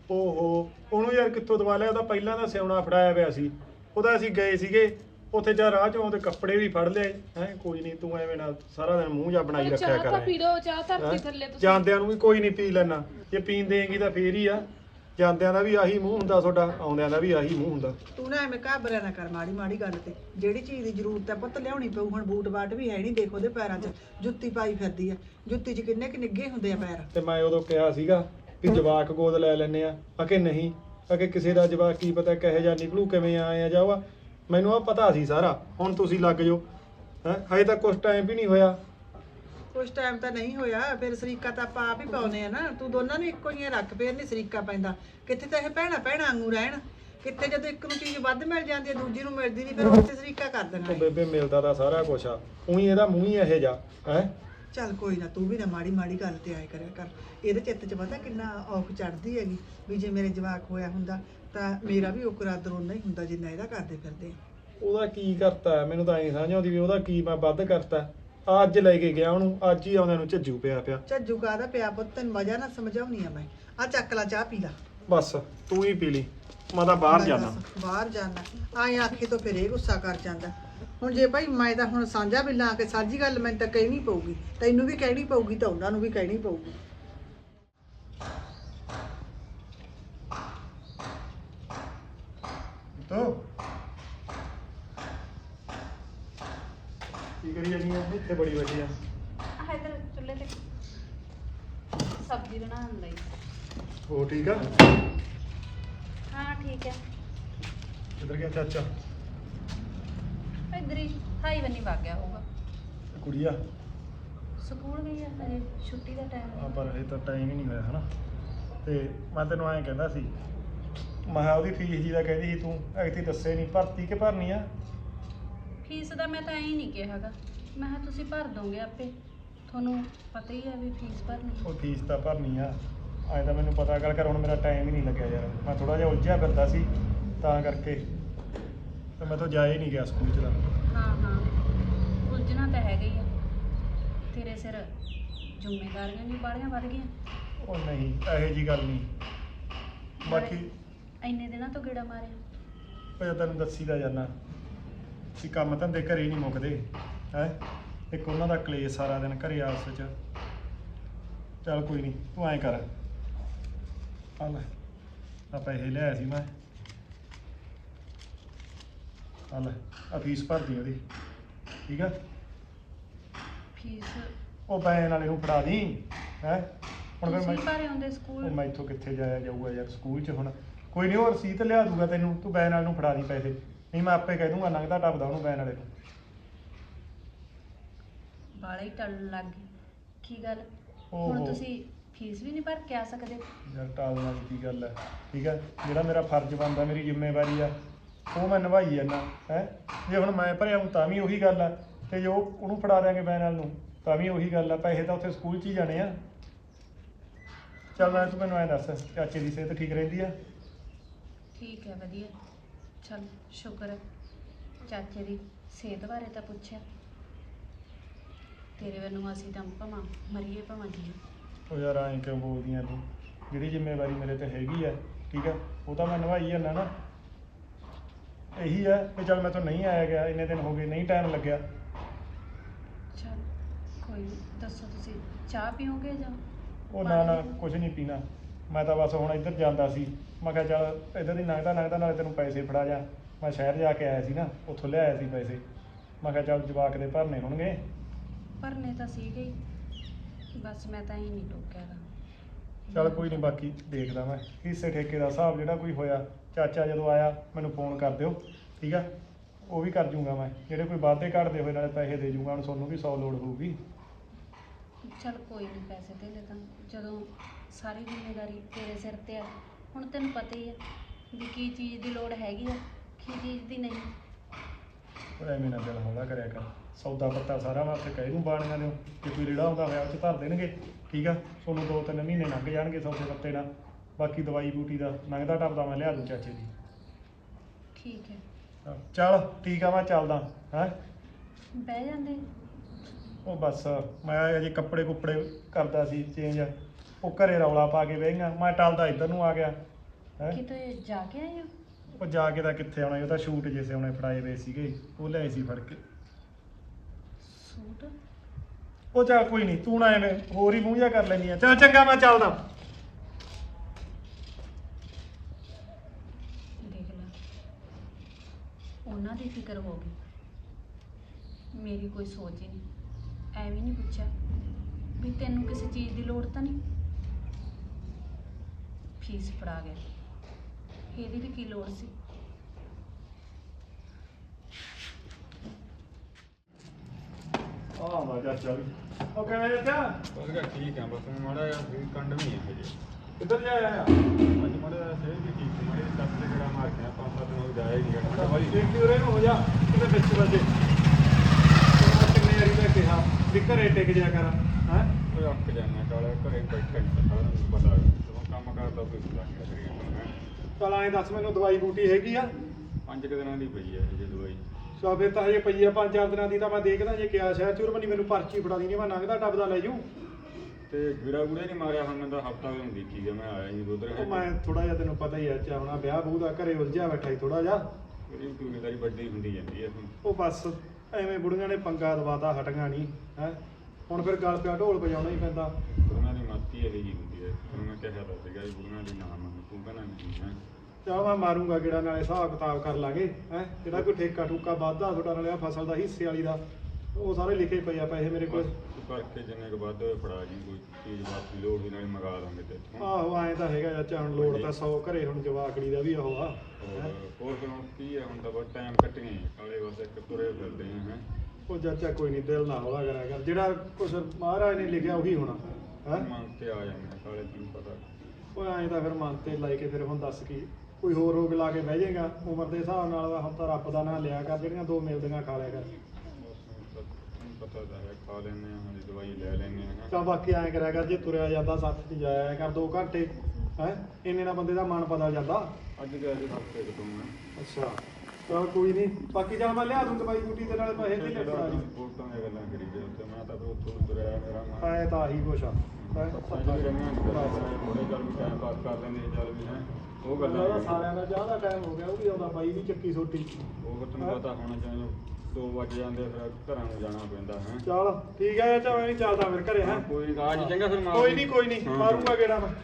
Speaker 1: ਓਹੋ, ਉਹਨੂੰ ਯਾਰ ਕਿੱਥੋਂ ਦਵਾ ਲਿਆ? ਉਹਦਾ ਪਹਿਲਾਂ ਦਾ ਸਿਉਣਾ ਫੜਾਇਆ ਪਿਆ ਸੀ ਉਹਦਾ। ਅਸੀਂ ਗਏ ਸੀਗੇ ਉੱਥੇ, ਜਾ ਰਾਹ 'ਚੋਂ ਤੇ ਕੱਪੜੇ ਵੀ ਫੜ ਲਿਆਏ ਹੈ। ਕੋਈ ਨਹੀਂ, ਤੂੰ ਐਵੇਂ ਨਾਲ ਸਾਰਾ ਦਿਨ ਮੂੰਹ ਜਾ ਬਣਾਈ ਰੱਖਿਆ
Speaker 2: ਚਾਹ
Speaker 1: ਕਰ।
Speaker 2: ਤਾਂ ਪੀ ਲਓ, ਚਾਹ ਧਰਤੀ ਥੱਲੇ ਤੁਸੀਂ।
Speaker 1: ਜਾਂਦਿਆਂ ਨੂੰ ਵੀ ਕੋਈ ਨਹੀਂ ਪੀ ਲੈਣਾ। ਜੇ ਪੀਣ ਦੇਂਗੀ ਤਾਂ ਫੇਰ ਹੀ ਆ। ਜਾਂਦਿਆਂ ਦਾ ਵੀ ਆਹੀ ਮੂੰਹ ਹੁੰਦਾ ਤੁਹਾਡਾ, ਆਉਂਦਿਆਂ ਦਾ ਵੀ ਆਹੀ ਮੂੰਹ ਹੁੰਦਾ।
Speaker 3: ਤੂੰ ਨਾ ਐਵੇਂ ਘਾਬਰਿਆ ਨਾ ਕਰ ਮਾੜੀ ਮਾੜੀ ਗੱਲ ਤੇ। ਜਿਹੜੀ ਚੀਜ਼ ਦੀ ਜ਼ਰੂਰਤ ਹੈ ਪੁੱਤ ਲਿਆਉਣੀ ਪਊ। ਹੁਣ ਬੂਟ ਬਾਟ ਵੀ ਹੈ ਨਹੀਂ, ਦੇਖ ਉਹਦੇ ਪੈਰਾਂ 'ਚ ਜੁੱਤੀ ਪਾਈ ਫਿਰਦੀ ਆ। ਜੁੱਤੀ 'ਚ ਕਿੰਨੇ ਕਿ ਨਿੱਘੇ ਹੁੰਦੇ ਆ ਪੈਰ।
Speaker 1: ਤੇ ਮੈਂ ਉਦੋਂ ਕਿਹਾ ਸੀਗਾ ਵੀ ਜਵਾਕ ਗੋਦ ਲੈ ਲੈਨੇ ਆ, ਅਕੇ ਨਹੀਂ, ਅਕੇ ਕਿਸੇ ਦਾ ਜਵਾਕ ਕੀ ਪਤਾ ਕਿਹੋ ਜਿਹਾ ਨਿਕਲੂ, ਕਿਵੇਂ ਆਏ ਆ ਜਾਵਾ। ਮੈਨੂੰ ਆ ਪਤਾ ਸੀ ਸਾਰਾ। ਹੁਣ ਤੁਸੀਂ ਲੱਗ ਜਾਓ ਹੈ, ਹਜੇ ਤਾਂ ਕੁਛ ਟਾਈਮ ਵੀ ਨਹੀਂ ਹੋਇਆ।
Speaker 3: ਕੁਛ ਟਾਈਮ ਤਾਂ ਨਹੀਂ ਹੋਇਆ, ਫਿਰ ਸਰੀਕਾ ਤਾਂ ਆਪਾਂ ਆਪ ਹੀ ਪਾਉਨੇ ਆ ਨਾ। ਤੂੰ ਦੋਨਾਂ ਨੂੰ ਇੱਕੋ ਜਿਹੀਆਂ ਰੱਖ, ਫੇਰ ਨਹੀਂ ਸਰੀਕਾ ਪੈਂਦਾ। ਕਿੱਥੇ ਤਾਂ ਇਹ ਭੈਣਾਂ ਵਾਂਗੂ ਰਹਿਣ, ਕਿੱਥੇ ਜਦੋਂ ਇੱਕ ਨੂੰ ਚੀਜ਼ ਵੱਧ ਮਿਲ ਜਾਂਦੀ ਹੈ ਦੂਜੀ ਨੂੰ ਮਿਲਦੀ ਨਹੀਂ, ਫਿਰ ਉੱਥੇ ਸਰੀਕਾ ਕਰ
Speaker 1: ਉਹ
Speaker 3: ਦੇਣਾ।
Speaker 1: ਬੇਬੇ ਮਿਲਦਾ ਤਾਂ ਸਾਰਾ ਕੁਛ ਆ, ਉਹੀ ਇਹਦਾ ਮੂੰਹ ਹੀ ਇਹੋ ਜਿਹਾ ਹੈ।
Speaker 3: ਚੱਲ ਕੋਈ ਨਾ, ਤੂੰ ਵੀ ਨਾ ਮਾੜੀ ਮਾੜੀ ਗੱਲ ਤੇ ਆਏ ਕਰਿਆ ਕਰ। ਇਹਦੇ ਚਿੱਤ 'ਚ ਪਤਾ ਕਿੰਨਾ ਔਖ ਚੜਦੀ ਹੈਗੀ ਵੀ ਜੇ ਮੇਰੇ ਜਵਾਕ ਹੋਇਆ ਹੁੰਦਾ ਤਾਂ ਮੇਰਾ ਵੀ ਉਹ ਆਦਰ ਓਨਾ ਹੀ ਹੁੰਦਾ ਜਿੰਨਾ ਇਹਦਾ ਕਰਦੇ ਫਿਰਦੇ ਆ।
Speaker 1: ਉਹਦਾ ਕੀ ਕਰਤਾ ਮੈਨੂੰ ਤਾਂ ਐਂ ਸਮਝ ਆਉਂਦੀ ਵੀ ਉਹਦਾ ਕੀ ਮੈਂ ਵੱਧ ਕਰਤਾ। ਆ ਅੱਜ ਲੈ ਕੇ ਗਿਆ ਉਹਨੂੰ, ਅੱਜ ਹੀ ਆਉਂਦਿਆਂ ਨੂੰ ਝੱਜੂ ਪਿਆ।
Speaker 3: ਝੱਜੂ ਕਾਹਦਾ ਪਿਆ ਪੁੱਤ, ਤੈਨੂੰ ਮਜ਼ਾ ਨਾ ਸਮਝਾਉਣੀ ਆ ਮੈਂ। ਆ ਚੱਕ ਲਾ ਚਾਹ ਪੀ ਲਾ।
Speaker 1: ਬਸ ਤੂੰ ਹੀ ਪੀ ਲਈ, ਮੈਂ ਤਾਂ ਬਾਹਰ
Speaker 3: ਮੈਂ
Speaker 1: ਜਾਣਾ।
Speaker 3: ਬਸ ਬਾਹਰ ਜਾਣਾ ਆਏ ਆਖੇ ਤੋਂ ਫਿਰ ਇਹ ਗੁੱਸਾ ਕਰ ਜਾਂਦਾ। ਹੁਣ ਜੇ ਭਾਈ ਮੈਂ ਤਾਂ ਹੁਣ ਸਾਂਝਾ ਬਿੱਲਾਂ ਆ ਕੇ ਸਾਂਝੀ ਗੱਲ ਮੈਨੂੰ ਤਾਂ ਕਹਿਣੀ ਪਊਗੀ, ਤੈਨੂੰ ਵੀ ਕਹਿਣੀ ਪਊਗੀ ਤਾਂ ਉਹਨਾਂ ਨੂੰ ਵੀ ਕਹਿਣੀ ਪਊਗੀ।
Speaker 1: ਤੋ ਕੀ ਕਰੀ ਜਾਨੀ ਆ ਇੱਥੇ ਬੜੀ ਬੈਠੀ ਆ?
Speaker 4: ਇਧਰ ਚੁੱਲ੍ਹੇ ਤੇ ਸਬਜ਼ੀ ਬਣਾਉਣ ਲਈ।
Speaker 1: ਹੋ ਠੀਕ ਆ?
Speaker 4: ਹਾਂ ਠੀਕ ਹੈ।
Speaker 1: ਕਿੱਧਰ ਗਿਆ ਚਾਚਾ?
Speaker 4: ਇਧਰ ਹੀ ਹਾਈ ਬੰਨੀ ਵਗ ਗਿਆ ਹੋਊਗਾ।
Speaker 1: ਕੁੜੀਆ
Speaker 4: ਸਕੂਲ ਗਈ ਆ, ਹਜੇ ਛੁੱਟੀ ਦਾ ਟਾਈਮ
Speaker 1: ਆ ਪਰ ਇਹ ਤਾਂ ਟਾਈਮ ਹੀ ਨਹੀਂ ਹੋਇਆ ਹਨਾ। ਤੇ ਮੈਂ ਤੈਨੂੰ ਐਂ ਕਹਿੰਦਾ ਸੀ, ਮੈਂ ਕਿਹਾ ਉਹਦੀ ਫੀਸ ਜੀ ਦਾ ਕਹਿੰਦੀ ਸੀ ਤੂੰ ਐਕਤੀ ਦੱਸੇ ਨਹੀਂ, ਭਰਤੀ ਕਿ ਭਰਨੀ ਆ?
Speaker 4: ਫੀਸ ਦਾ ਮੈਂ ਤਾਂ ਐਂ ਨਹੀਂ ਕਿਹਾਗਾ, ਮੈਂ ਕਿਹਾ ਤੁਸੀਂ ਭਰ ਦੋਗੇ ਆਪੇ, ਤੁਹਾਨੂੰ ਪਤਾ ਹੀ ਹੈ ਵੀ ਫੀਸ ਭਰਨੀ।
Speaker 1: ਉਹ ਫੀਸ ਤਾਂ ਭਰਨੀ ਆ, ਐਂ ਤਾਂ ਮੈਨੂੰ ਪਤਾ। ਗੱਲ ਕਰ ਹੁਣ ਮੇਰਾ ਟਾਈਮ ਹੀ ਨਹੀਂ ਲੱਗਿਆ ਯਾਰ, ਮੈਂ ਥੋੜਾ ਜਿਹਾ ਉਲਝਿਆ ਫਿਰਦਾ ਸੀ ਤਾਂ ਕਰਕੇ, ਤੇ ਮੈਂ ਤਾਂ ਜਾ ਹੀ ਨਹੀਂ ਗਿਆ ਸਕੂਲ 'ਚ ਦਾ।
Speaker 4: ਹਾਂ ਉਲਝਣਾ ਤਾਂ ਹੈਗਾ ਹੀ ਆ, ਤੇਰੇ ਸਿਰ ਜ਼ਿੰਮੇਵਾਰੀਆਂ ਵੀ ਬਾਹਲੀਆਂ ਵੱਧ ਗਈਆਂ।
Speaker 1: ਉਹ ਨਹੀਂ ਇਹੋ ਜੀ ਗੱਲ ਨਹੀਂ, ਬਾਕੀ
Speaker 4: ਇੰਨੇ ਦਿਨਾਂ ਤੋਂ ਗੇੜਾ ਮਾਰਿਆ।
Speaker 1: ਉਹ ਤੈਨੂੰ ਦੱਸੀ ਦਾ ਜਾਨਾ ਵੀ ਕੰਮ ਧੰਦੇ ਘਰੇ ਨਹੀਂ ਮੁੱਕਦੇ ਹੈ। ਇੱਕ ਉਹਨਾਂ ਦਾ ਕਲੇਸ਼ ਸਾਰਾ ਦਿਨ ਘਰੇ ਆਪਸ ਵਿੱਚ। ਚੱਲ ਕੋਈ ਨਹੀਂ, ਤੂੰ ਐਂ ਕਰ, ਆ ਲੈ ਆ ਪੈਸੇ ਲਿਆਇਆ ਸੀ ਮੈਂ, ਆ ਲੈ ਆ ਫੀਸ ਭਰਦੀ ਉਹਦੀ, ਠੀਕ ਆ?
Speaker 4: ਫੀਸ
Speaker 1: ਉਹ ਬੈਨ ਵਾਲੇ ਨੂੰ ਫੜਾ ਦੀ ਹੈ। ਹੁਣ ਫਿਰ
Speaker 4: ਤੁਸੀਂ
Speaker 1: ਮੈਂ
Speaker 4: ਭਰੇ ਹੁੰਦੇ ਸਕੂਲ।
Speaker 1: ਉਹ ਮੈਥੋਂ ਕਿੱਥੇ ਜਾਇਆ ਜਾਊਗਾ ਯਾਰ ਸਕੂਲ 'ਚ। ਹੁਣ ਕੋਈ ਨਹੀਂ, ਉਹ ਰਸੀਦ ਲਿਆ ਦੂਗਾ ਤੈਨੂੰ, ਤੂੰ ਬੈਨ ਵਾਲੇ ਨੂੰ ਫੜਾ ਦੀ ਪੈਸੇ, ਨਹੀਂ ਮੈਂ ਆਪੇ ਕਹਿ ਦੂੰਗਾ ਲੰਘਦਾ ਟੱਪਦਾ ਉਹਨੂੰ ਬੈਨ ਵਾਲੇ ਨੂੰ।
Speaker 4: ਬਾਲਾ ਹੀ ਟਲਣ ਲੱਗ ਗਈ, ਕੀ ਗੱਲ
Speaker 1: ਓਹੋ।
Speaker 4: ਹੁਣ ਤੁਸੀਂ ਫੀਸ ਵੀ ਨਹੀਂ ਭਰ ਕੇ ਆ ਸਕਦੇ?
Speaker 1: ਯਾਰ ਟਾਲਣ ਵਾਲੀ ਕੀ ਗੱਲ ਹੈ, ਠੀਕ ਹੈ? ਜਿਹੜਾ ਮੇਰਾ ਫਰਜ਼ ਬਣਦਾ, ਮੇਰੀ ਜ਼ਿੰਮੇਵਾਰੀ ਆ, ਉਹ ਮੈਂ ਨਿਭਾਈ ਜਾਂਦਾ ਹੈ। ਜੇ ਹੁਣ ਮੈਂ ਭਰਿਆ ਹੂੰ ਤਾਂ ਵੀ ਉਹੀ ਗੱਲ ਆ, ਤੇ ਜੋ ਉਹਨੂੰ ਫੜਾ ਦਿਆਂਗੇ ਬੈਨ ਵਾਲ ਨੂੰ ਤਾਂ ਵੀ ਉਹੀ ਗੱਲ ਆ। ਪੈਸੇ ਤਾਂ ਉੱਥੇ ਸਕੂਲ 'ਚ ਹੀ ਜਾਣੇ ਆ। ਚੱਲ ਮੈਂ ਤੂੰ ਮੈਨੂੰ ਐਂ ਦੱਸ, ਚਾਚੇ ਦੀ ਸਿਹਤ ਠੀਕ ਰਹਿੰਦੀ ਆ?
Speaker 4: ਠੀਕ ਹੈ, ਵਧੀਆ। ਚਲ ਸ਼ੁਕਰ ਹੈ, ਚਾਚੇ ਦੀ ਸਿਹਤ ਬਾਰੇ ਤਾਂ ਪੁੱਛਿਆ। ਤੇਰੇ ਵੱਲੋਂ ਅਸੀਂ ਤਾਂ ਭਾਵਾਂ ਮਰੀਏ ਭਾਵਾਂ ਜੀ।
Speaker 1: ਉਹ ਯਾਰ ਐਂ ਕਿਉਂ ਬੋਲਦੀ ਆ ਤੂੰ? ਜਿਹੜੀ ਜ਼ਿੰਮੇਵਾਰੀ ਮੇਰੇ ਤੇ ਹੈਗੀ ਆ, ਠੀਕ ਆ, ਉਹ ਤਾਂ ਮੈਂ ਨਿਭਾਈ ਜਾਂਦਾ ਨਾ। ਇਹੀ ਹੈ ਕਿ ਚੱਲ ਮੈਂ ਤੋਂ ਨਹੀਂ ਆਇਆ ਗਿਆ, ਇੰਨੇ ਦਿਨ ਹੋ ਗਏ, ਨਹੀਂ ਟਾਈਮ ਲੱਗਿਆ।
Speaker 4: ਚਲ ਕੋਈ ਨਹੀਂ, ਦੱਸੋ ਤੁਸੀਂ ਚਾਹ ਪੀਓਗੇ ਜਾਂ?
Speaker 1: ਉਹ ਨਾ ਕੁਝ ਨਹੀਂ ਪੀਣਾ, ਮੈਂ ਤਾਂ ਬਸ ਹੁਣ ਇੱਧਰ ਜਾਂਦਾ ਸੀ, ਮੈਂ ਕਿਹਾ ਚੱਲ ਇੱਧਰ ਦੀ ਲੰਘਦਾ ਨਾਲੇ ਤੈਨੂੰ ਪੈਸੇ ਫੜਾ ਜਾ। ਮੈਂ ਸ਼ਹਿਰ ਜਾ ਕੇ ਆਇਆ ਸੀ ਨਾ, ਉੱਥੋਂ ਲਿਆਇਆ ਸੀ ਪੈਸੇ, ਮੈਂ ਕਿਹਾ ਚੱਲ ਜਵਾਕ ਦੇ ਭਰਨੇ ਹੋਣਗੇ।
Speaker 4: ਭਰਨੇ ਤਾਂ ਸੀਗੇ ਹੀ, ਬਸ ਮੈਂ ਤਾਂ ਹੀ ਨਹੀਂ ਟੋਕਿਆ ਗਾ।
Speaker 1: ਚੱਲ ਕੋਈ ਨਹੀਂ, ਬਾਕੀ ਦੇਖਦਾ ਮੈਂ ਹਿੱਸੇ ਠੇਕੇ ਦਾ ਹਿਸਾਬ ਜਿਹੜਾ ਕੋਈ ਹੋਇਆ। ਚਾਚਾ ਜਦੋਂ ਆਇਆ ਮੈਨੂੰ ਫੋਨ ਕਰ ਦਿਓ, ਠੀਕ ਆ? ਉਹ ਵੀ ਕਰ ਜੂੰਗਾ ਮੈਂ, ਜਿਹੜੇ ਕੋਈ ਵਾਧੇ ਘਟਦੇ ਹੋਏ ਨਾਲੇ ਪੈਸੇ ਦੇ ਜੂੰਗਾ। ਹੁਣ ਤੁਹਾਨੂੰ ਵੀ 100 ਲੋੜ ਹੋਊਗੀ।
Speaker 4: ਚਲ ਕੋਈ ਨਹੀਂ, ਪੈਸੇ ਦੇ ਲੈ ਤਾਂ ਜਦੋਂ ਸਾਰੀ ਜ਼ਿੰਮੇਵਾਰੀ ਤੇਰੇ ਸਿਰ ਤੇ ਆ। ਹੁਣ ਤੈਨੂੰ ਪਤਾ ਹੀ ਹੈ ਵੀ ਕੀ ਚੀਜ਼ ਦੀ ਲੋੜ ਹੈਗੀ ਆ, ਕੀ ਚੀਜ਼ ਦੀ ਨਹੀਂ।
Speaker 1: ਉਹ ਐਵੇਂ ਨਾ ਦਿਲ ਹੌਲਾ ਕਰਿਆ ਕਰ, ਸੌਦਾ ਪੱਤਾ ਸਾਰਾ ਮੈਂ ਉੱਥੇ ਕਹਿ ਦੂੰ ਬਾਣੀਆਂ ਦਿਓ, ਜੇ ਕੋਈ ਰੇੜਾ ਆਉਂਦਾ ਹੋਇਆ ਉਹ 'ਚ ਧਰ ਦੇਣਗੇ, ਠੀਕ ਆ? ਤੁਹਾਨੂੰ 2-3 ਮਹੀਨੇ ਲੰਘ ਜਾਣਗੇ ਸੌਦੇ ਪੱਤੇ ਨਾਲ। ਬਾਕੀ ਦਵਾਈ ਬੂਟੀ ਦਾ ਲੰਘਦਾ ਟੱਪਦਾ ਮੈਂ ਲਿਆ ਦੂੰ ਚਾਚੇ ਦੀ।
Speaker 4: ਠੀਕ ਹੈ,
Speaker 1: ਚੱਲ ਠੀਕ ਆ, ਮੈਂ ਚੱਲਦਾ ਹੈਂ।
Speaker 4: ਬਹਿ ਜਾਂਦੇ।
Speaker 1: ਉਹ ਬਸ ਮੈਂ ਅਜੇ ਕੱਪੜੇ ਕੁੱਪੜੇ ਕਰਦਾ ਸੀ ਚੇਂਜ, ਉਹ ਘਰੇ ਰੌਲਾ ਪਾ ਕੇ ਬਹਿ ਗਿਆ, ਮੈਂ ਟਲਦਾ ਇੱਧਰ ਨੂੰ ਆ ਗਿਆ ਹੈ।
Speaker 4: ਕਿਤੇ ਜਾ ਕੇ ਆਏ ਹੋ?
Speaker 1: ਉਹ ਜਾ ਕੇ ਤਾਂ ਕਿੱਥੇ ਆਉਣਾ, ਉਹ ਤਾਂ ਸ਼ੂਟ ਜੇ ਸਿਉਣੇ ਫੜਾਏ ਹੋਏ ਸੀਗੇ, ਉਹ ਲਿਆਏ ਸੀ ਫੜ ਕੇ।
Speaker 4: ਸੂਟ?
Speaker 1: ਉਹ ਚੱਲ ਕੋਈ ਨਹੀਂ, ਤੂੰ ਨਾ ਐਵੇਂ ਹੋਰ ਹੀ ਮੂੰਹ ਜਿਹਾ ਕਰ ਲੈਂਦੀ ਆ। ਚੱਲ ਚੰਗਾ, ਮੈਂ ਚੱਲਦਾ।
Speaker 4: ਦੇਖ ਲੈ, ਉਹਨਾਂ ਦੀ ਫਿਕਰ ਹੋ ਗਈ, ਮੇਰੀ ਕੋਈ ਸੋਚ ਹੀ ਨਹੀਂ। ਐਵੇਂ ਨਹੀਂ ਪੁੱਛਿਆ ਵੀ ਤੈਨੂੰ ਕਿਸੇ ਚੀਜ਼ ਦੀ ਲੋੜ ਤਾਂ ਨਹੀਂ। ਫੀਸ ਫੜਾ ਗਿਆ, ਇਹਦੀ ਵੀ ਕੀ ਲੋੜ ਸੀ?
Speaker 1: ਆਹ ਮਾ ਚਾਚਾ ਵੀ ਉਹ ਕਿਵੇਂ ਚਾਚਾ
Speaker 5: ਬਸ ਕਿਹਾ ਠੀਕ ਆ ਬਸ ਮਾੜਾ ਜਿਹਾ ਵੀ ਕੰਡ ਵੀ ਹੈ ਹਜੇ
Speaker 1: ਕਿੱਧਰ ਜਾ ਆਇਆ
Speaker 5: ਅੱਜ ਮਾੜਾ ਜਿਹਾ ਸਿਹਤ ਵੀ ਠੀਕ ਸੀ ਮਾੜੇ ਦੱਸ ਦੇ ਜਿਹੜਾ ਮਾਰ ਕੇ 5-7 ਦਿਨ ਹੋ ਜਾਏ ਨਹੀਂ
Speaker 1: ਅੱਛਾ
Speaker 5: ਘਟਾ
Speaker 1: ਭਾਈ ਦੇਖ ਲਿਓ ਰੇ ਹੋ ਜਾ ਕਿਤੇ ਵਿੱਚ ਵੱਜੇ ਕਿੰਨੇ ਵਾਰੀ ਮੈਂ ਕਿਹਾ ਵੀ ਘਰੇ ਟਿਕ ਜਾ ਕਰ ਹੈ
Speaker 5: ਕੋਈ ਅੱਕ ਜਾਂਦਾ ਕਾਲੇ ਘਰੇ ਬੈਠਾ ਨਹੀਂ ਸਾਰਾ ਦਿਨ ਪਤਾ ਜਦੋਂ ਕੰਮ ਕਰਦਾ ਕੋਈ ਪਤਾ ਨਹੀਂ ਕਰੀ
Speaker 1: ਚਲ ਐਂ ਦੱਸ ਮੈਨੂੰ ਦਵਾਈ ਬੂਟੀ ਹੈਗੀ ਆ
Speaker 5: 5 ਦਿਨਾਂ ਦੀ ਪਈ ਹੈ ਹਜੇ ਦਵਾਈ
Speaker 1: ਸੋ ਫਿਰ ਤਾਂ ਹਜੇ ਪਈ ਆ 5-4 ਦਿਨਾਂ ਦੀ ਤਾਂ ਮੈਂ ਦੇਖਦਾ ਜੇ ਕਿਹਾ ਸ਼ਹਿਰ ਚੂਰ ਬਣੀ ਮੈਨੂੰ ਪਰਚੀ ਫੜਾ ਦੀ ਮੈਂ ਲੰਘਦਾ ਟੱਪਦਾ ਲੈ ਜੂ
Speaker 5: ਤੇ ਗੀੜਾ ਗੂੜੇ ਨਹੀਂ ਮਾਰਿਆ ਹੁਣ ਮੈਂ ਤਾਂ ਹਫਤਾ ਵੀ ਨਹੀਂ ਦੇਖੀ ਗਿਆ ਮੈਂ ਆਇਆ ਨਹੀਂ ਉਧਰ
Speaker 1: ਉਹ ਮੈਂ ਥੋੜਾ ਜਿਹਾ ਤੈਨੂੰ ਪਤਾ ਹੀ ਆ ਚਾਹਣਾ ਵਿਆਹ ਬੂਹ ਦਾ ਘਰੇ ਉਲਝਿਆ ਬੈਠਾ ਹੀ ਥੋੜਾ ਜਿਹਾ
Speaker 5: ਮੇਰੀ ਦੁਨੀਆਦਾਰੀ ਵੱਡੀ ਹੁੰਦੀ ਜਾਂਦੀ ਹੈ ਹੁਣ
Speaker 1: ਉਹ ਬਸ ਐਵੇਂ ਬੁੜੀਆਂ ਨੇ ਪੰਗਾ ਦਵਾਤਾ ਹਟੀਆਂ ਨਹੀਂ ਹੈ ਹੁਣ ਫਿਰ ਗਲ ਪਿਆ ਢੋਲ ਵਜਾਉਣਾ ਹੀ ਪੈਂਦਾ
Speaker 5: ਉਹਨਾਂ ਦੀ ਮਾਤੀ ਇਹੀ ਜੀ ਹੁੰਦੀ ਹੈ ਹੁਣ ਮੈਂ ਕਿਹਾ ਤਾਂ ਸੀਗਾ ਵੀ ਬੁੜੀਆਂ ਦੀ ਨਾਮ ਹੈ ਤੂੰ ਕਹਿੰਦਾ ਨਹੀਂ ਹੈ
Speaker 1: ਚਲ ਮੈਂ ਮਾਰੂੰਗਾ ਕਿਹੜਾ ਨਾਲੇ ਹਿਸਾਬ ਕਿਤਾਬ ਕਰ ਲਾਂਗੇ ਹੈ ਜਿਹੜਾ ਕੋਈ ਠੇਕਾ ਠੂਕਾ ਵਾਧਾ ਤੁਹਾਡਾ ਨਾਲੇ ਆ ਫਸਲ ਦਾ ਹਿੱਸੇ ਵਾਲੀ ਦਾ ਉਹ ਸਾਰੇ ਲਿਖੇ ਪਏ ਆ ਪੈਸੇ ਮੇਰੇ ਕੋਲ
Speaker 5: ਤੂੰ ਕਰਕੇ ਜਿੰਨੇ ਕੁ ਵੱਧ ਹੋਏ ਫੜਾ ਜੀ ਕੋਈ ਚੀਜ਼ ਵਾਪਸ ਲੋੜ ਦੀ ਨਾਲੇ ਮੰਗਾ ਲਾਂਗੇ ਤੇ ਇੱਥੋਂ
Speaker 1: ਆਹੋ ਐਂ ਤਾਂ ਹੈਗਾ ਚਾਚਾ ਹੁਣ ਲੋੜ ਤਾਂ 100 ਘਰੇ ਹੁਣ ਜਵਾਕੜੀ ਦਾ ਵੀ ਉਹ ਆ
Speaker 5: ਹੋਰ ਫਿਰ ਹੁਣ ਕੀ ਹੈ ਹੁਣ ਤਾਂ ਬਸ ਟਾਈਮ ਕੱਟੀਆਂ ਕਾਲੇ ਬਸ ਇੱਕ ਤੁਰੇ ਫਿਰਦੇ ਆ ਹੈ
Speaker 1: ਉਹ ਚਾਚਾ ਕੋਈ ਨਹੀਂ ਦਿਲ ਨਾ ਹੌਲਾ ਕਰਿਆ ਕਰ ਜਿਹੜਾ ਕੁਛ ਮਹਾਰਾਜ ਨੇ ਲਿਖਿਆ ਉਹੀ ਹੋਣਾ ਹੈ
Speaker 5: ਮਨ ਤੇ ਆ ਜਾਂਦੇ ਆ ਕਾਲੇ ਤੈਨੂੰ ਪਤਾ
Speaker 1: ਉਹ ਐਂ ਤਾਂ ਫਿਰ ਮਨ ਤੇ ਲਾਈ ਕੇ ਫਿਰ ਹੁਣ ਦੱਸ ਕੀ ਕੋਈ ਹੋਰ ਰੋਗ ਲਾ ਕੇ ਬਹਿ ਜਾਏਗਾ ਉਮਰ ਦੇ ਹਿਸਾਬ ਨਾਲ ਹੁਣ ਤਾਂ ਰੱਬ ਦਾ ਨਾਂ ਲਿਆ ਕਰ ਜਿਹੜੀਆਂ ਦੋ ਮਿਲਦੀਆਂ ਖਾ ਲਿਆ ਕਰ
Speaker 5: ਤੈਨੂੰ ਪਤਾ ਤਾਂ ਹੈ ਖਾ ਲੈਂਦੇ ਆ ਹੁਣ ਦਵਾਈ ਲੈ ਲੈਂਦੇ ਆ
Speaker 1: ਤਾਂ ਬਾਕੀ ਐਂ ਕਰਿਆ ਕਰ ਜੇ ਤੁਰਿਆ ਜਾਂਦਾ ਸੱਤ 'ਚ ਜਾਇਆ ਕਰ 2 ਘੰਟੇ ਹੈ ਇੰਨੇ ਨਾਲ ਬੰਦੇ ਦਾ ਮਨ ਬਦਲ ਜਾਂਦਾ
Speaker 5: ਅੱਜ ਦੇ ਅੱਜ ਹਫਤੇ ਤੋਂ ਮੈਂ
Speaker 1: ਅੱਛਾ ਚਲ ਕੋਈ ਨਹੀਂ ਬਾਕੀ ਚੱਲ ਮੈਂ ਲਿਆ ਦੂੰ ਦਵਾਈ ਬੂਟੀ ਦੇ ਨਾਲ ਪੈਸੇ ਵੀ ਲੈ ਫੜਾ ਜੀ
Speaker 5: ਰਿਪੋਰਟਾਂ ਦੀਆਂ ਗੱਲਾਂ ਕਰੀ ਗਏ ਉੱਤੇ ਮੈਂ ਤਾਂ ਫਿਰ ਉੱਥੋਂ ਤੁਰਿਆ ਮੇਰਾ ਮਨ
Speaker 1: ਐ ਤਾਂ ਆਹੀ ਕੁਛ ਆ
Speaker 5: ਥੋੜੇ ਚੱਲ ਵੀ ਟਾਈਮ ਪਾਸ ਕਰ ਲੈਂਦੇ ਚੱਲ ਵੀ ਹੈ ਉਹ ਗੱਲਾਂ
Speaker 1: ਉਹਦਾ ਸਾਰਿਆਂ ਦਾ ਚਾਹ ਦਾ ਟਾਈਮ ਹੋ ਗਿਆ ਉਹ ਵੀ ਆਉਂਦਾ ਬਾਈ ਵੀ ਚੱਕੀ ਸੋਟੀ
Speaker 5: ਉਹ ਤੈਨੂੰ ਪਤਾ ਹੋਣਾ ਚਾਹੀਦਾ 2 ਵਜ ਜਾਂਦੇ ਫਿਰ ਘਰਾਂ ਨੂੰ ਜਾਣਾ ਪੈਂਦਾ ਹੈ
Speaker 1: ਚੱਲ ਠੀਕ ਹੈ ਚਾਹ ਨਹੀਂ ਚੱਲਦਾ ਫਿਰ ਘਰੇ ਹੈ
Speaker 5: ਕੋਈ ਨਹੀਂ ਅੱਜ ਚੰਗਾ ਫਿਰ
Speaker 1: ਕੋਈ ਨਹੀਂ ਮਾਰੂੰਗਾ ਗੇੜਾ ਮੈਂ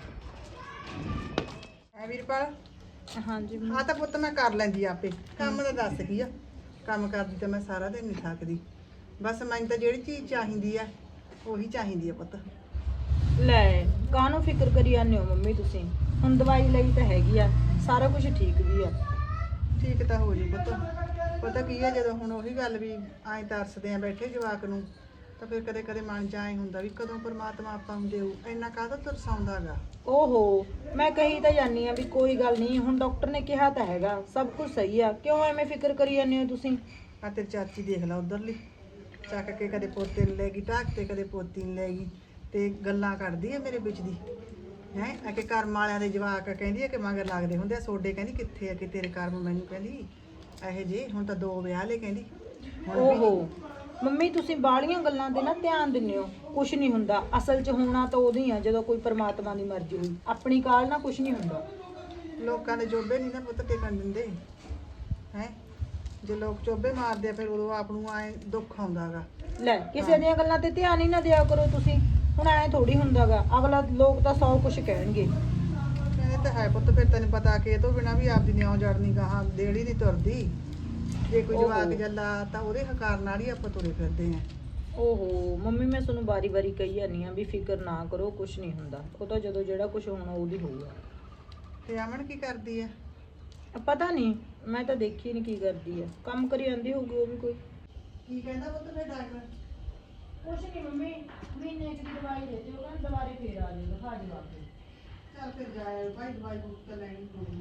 Speaker 3: ਐ ਵੀਰਪਾਲ
Speaker 4: ਹਾਂਜੀ
Speaker 3: ਆ ਤਾਂ ਪੁੱਤ ਮੈਂ ਕਰ ਲੈਂਦੀ ਆਪੇ ਕੰਮ ਤਾਂ ਦੱਸ ਕੀ ਆ ਕੰਮ ਕਰਦੀ ਤਾਂ ਮੈਂ ਸਾਰਾ ਦਿਨ ਨਹੀਂ ਥੱਕਦੀ ਬਸ ਮੈਨੂੰ ਤਾਂ ਜਿਹੜੀ ਚੀਜ਼ ਚਾਹੀਦੀ ਆ ਉਹੀ ਚਾਹੀਦੀ ਆ ਪੁੱਤ
Speaker 4: ਲੈ ਕਾਹਨੂੰ ਫਿਕਰ ਕਰੀ ਜਾਂਦੇ ਹੋ ਮੰਮੀ ਤੁਸੀਂ ਹੁਣ ਦਵਾਈ ਲਈ ਤਾਂ ਹੈਗੀ ਆ ਸਾਰਾ ਕੁਝ ਠੀਕ ਵੀ ਆ
Speaker 3: ਠੀਕ ਤਾਂ ਹੋ ਜੂ ਪੁੱਤ ਪਤਾ ਕੀ ਆ ਜਦੋਂ ਹੁਣ ਉਹੀ ਗੱਲ ਵੀ ਐਂ ਤਰਸਦੇ ਆ ਬੈਠੇ ਜਵਾਕ ਨੂੰ ਤਾਂ ਫਿਰ ਕਦੇ ਕਦੇ ਮਨ 'ਚ ਐਂ ਹੁੰਦਾ ਵੀ ਕਦੋਂ ਪਰਮਾਤਮਾ ਆਪਾਂ ਨੂੰ ਦੇਊ ਇੰਨਾ ਕਾਹਦਾ ਤਰਸਾਉਂਦਾਗਾ
Speaker 4: ਓਹੋ ਮੈਂ ਕਹੀ ਤਾਂ ਜਾਨੀ ਆ ਵੀ ਕੋਈ ਗੱਲ ਨਹੀਂ ਹੁਣ ਡਾਕਟਰ ਨੇ ਕਿਹਾ ਤਾਂ ਹੈਗਾ ਸਭ ਕੁਝ ਸਹੀ ਆ ਕਿਉਂ ਐਵੇਂ ਫਿਕਰ ਕਰੀ ਜਾਂਦੇ ਹੋ ਤੁਸੀਂ
Speaker 3: ਆ ਤੇਰੀ ਚਾਚੀ ਦੇਖ ਲਾ ਉਧਰਲੀ ਚੱਕ ਕੇ ਕਦੇ ਪੋਤੇ ਨੂੰ ਲੈ ਗਈ ਢਾਕ ਤੇ ਕਦੇ ਪੋਤੀ ਨੂੰ ਲੈ ਗਈ ਤੇ ਗੱਲਾਂ ਕਰਦੀ ਆ ਮੇਰੇ ਵਿੱਚ ਦੀ ਹੈ ਆ ਕਿ ਕਰਮ ਵਾਲਿਆਂ ਦੇ ਜਵਾਕ ਕਹਿੰਦੀ ਆ ਕਿ ਮਗਰ ਲੱਗਦੇ ਹੁੰਦੇ ਆ ਸੋਡੇ ਕਹਿੰਦੀ ਕਿੱਥੇ ਆ ਕਿ ਤੇਰੇ ਕਰਮ ਮੈਨੂੰ ਕਹਿੰਦੀ ਇਹੋ ਜੇ ਹੁਣ ਤਾਂ 2 ਵਿਆਹ ਲੈ ਕਹਿੰਦੀ ਹੁਣ ਵੀ
Speaker 4: ਓਹੋ ਮੰਮੀ ਤੁਸੀਂ ਬਾਹਲੀਆਂ ਗੱਲਾਂ ਤੇ ਨਾ ਧਿਆਨ ਦਿੰਦੇ ਹੋ ਕੁਝ ਨਹੀਂ ਹੁੰਦਾ ਅਸਲ 'ਚ ਹੋਣਾ ਤਾਂ ਉਦੋਂ ਹੀ ਆ ਜਦੋਂ ਕੋਈ ਪਰਮਾਤਮਾ ਦੀ ਮਰਜ਼ੀ ਹੋਈ ਆਪਣੀ ਕਾਲ ਨਾਲ ਕੁਝ ਨਹੀਂ ਹੁੰਦਾ
Speaker 3: ਲੋਕਾਂ ਦੇ ਚੋਬੇ ਨਹੀਂ ਨਾ ਪੁੱਤ ਟਿਕਣ ਦਿੰਦੇ ਹੈ ਜੇ ਲੋਕ ਚੋਬੇ ਮਾਰਦੇ ਆ ਫਿਰ ਉਦੋਂ ਆਪ ਨੂੰ ਐ ਦੁੱਖ ਆਉਂਦਾਗਾ
Speaker 4: ਲੈ ਕਿਸੇ ਦੀਆਂ ਗੱਲਾਂ ਤੇ ਧਿਆਨ ਹੀ ਨਾ ਦਿਆ ਕਰੋ ਤੁਸੀਂ ਹੁਣ ਐ ਥੋੜੀ ਹੁੰਦਾਗਾ ਅਗਲਾ ਲੋਕ ਤਾਂ 100 ਕੁਝ ਕਹਿਣਗੇ
Speaker 3: ਇਹ ਤਾਂ ਹੈ ਪੁੱਤ ਫਿਰ ਤੈਨੂੰ ਪਤਾ ਕਿ ਇਹ ਤੋਂ ਬਿਨਾ ਵੀ ਆਪਦੀ ਨਿਉ ਜੜਨੀ ਗਾਹਾਂ ਦੇੜੀ ਨਹੀਂ ਤੁਰਦੀ ਜੇ ਕੋਈ ਜਵਾਕ ਜੱਲਾ ਤਾਂ ਉਹਦੇ ਹਕਾਰ ਨਾਲ ਹੀ ਆਪਾਂ ਤੁਰੇ ਫਿਰਦੇ ਆ
Speaker 4: ਓਹੋ ਮੰਮੀ ਮੈਂ ਤੁਹਾਨੂੰ ਵਾਰੀ-ਵਾਰੀ ਕਹੀ ਜਾਂਦੀ ਆ ਵੀ ਫਿਕਰ ਨਾ ਕਰੋ ਕੁਝ ਨਹੀਂ ਹੁੰਦਾ ਉਹ ਤਾਂ ਜਦੋਂ ਜਿਹੜਾ ਕੁਝ ਹੋਣਾ ਉਹਦੀ ਹੋਊਗਾ
Speaker 3: ਤੇ ਅਮਨ ਕੀ ਕਰਦੀ ਆ
Speaker 4: ਪਤਾ ਨਹੀਂ ਮੈਂ ਤਾਂ ਦੇਖੀ ਨਹੀਂ ਕੀ ਕਰਦੀ ਆ ਕੰਮ ਕਰੀ ਜਾਂਦੀ ਹੋਊਗੀ ਉਹ ਵੀ ਕੋਈ
Speaker 3: ਕੀ ਕਹਿੰਦਾ ਪੁੱਤ ਫਿਰ ਡਾਕਟਰ
Speaker 4: ਕੁਛ ਨਹੀਂ ਮੰਮੀ ਮਹੀਨੇ ਦੀ ਦਵਾਈ ਦੇ ਦਿਓ ਕਹਿੰਦਾ ਦੁਬਾਰੇ ਫੇਰ ਆ ਜਾਏਗਾ ਖਾ ਜਵਾ ਕੇ
Speaker 3: ਚੱਲ ਫਿਰ ਜਾਏ ਭਾਈ ਦਵਾਈ ਬੂਟ ਤਾਂ ਲੈਣੀ ਪਊਗੀ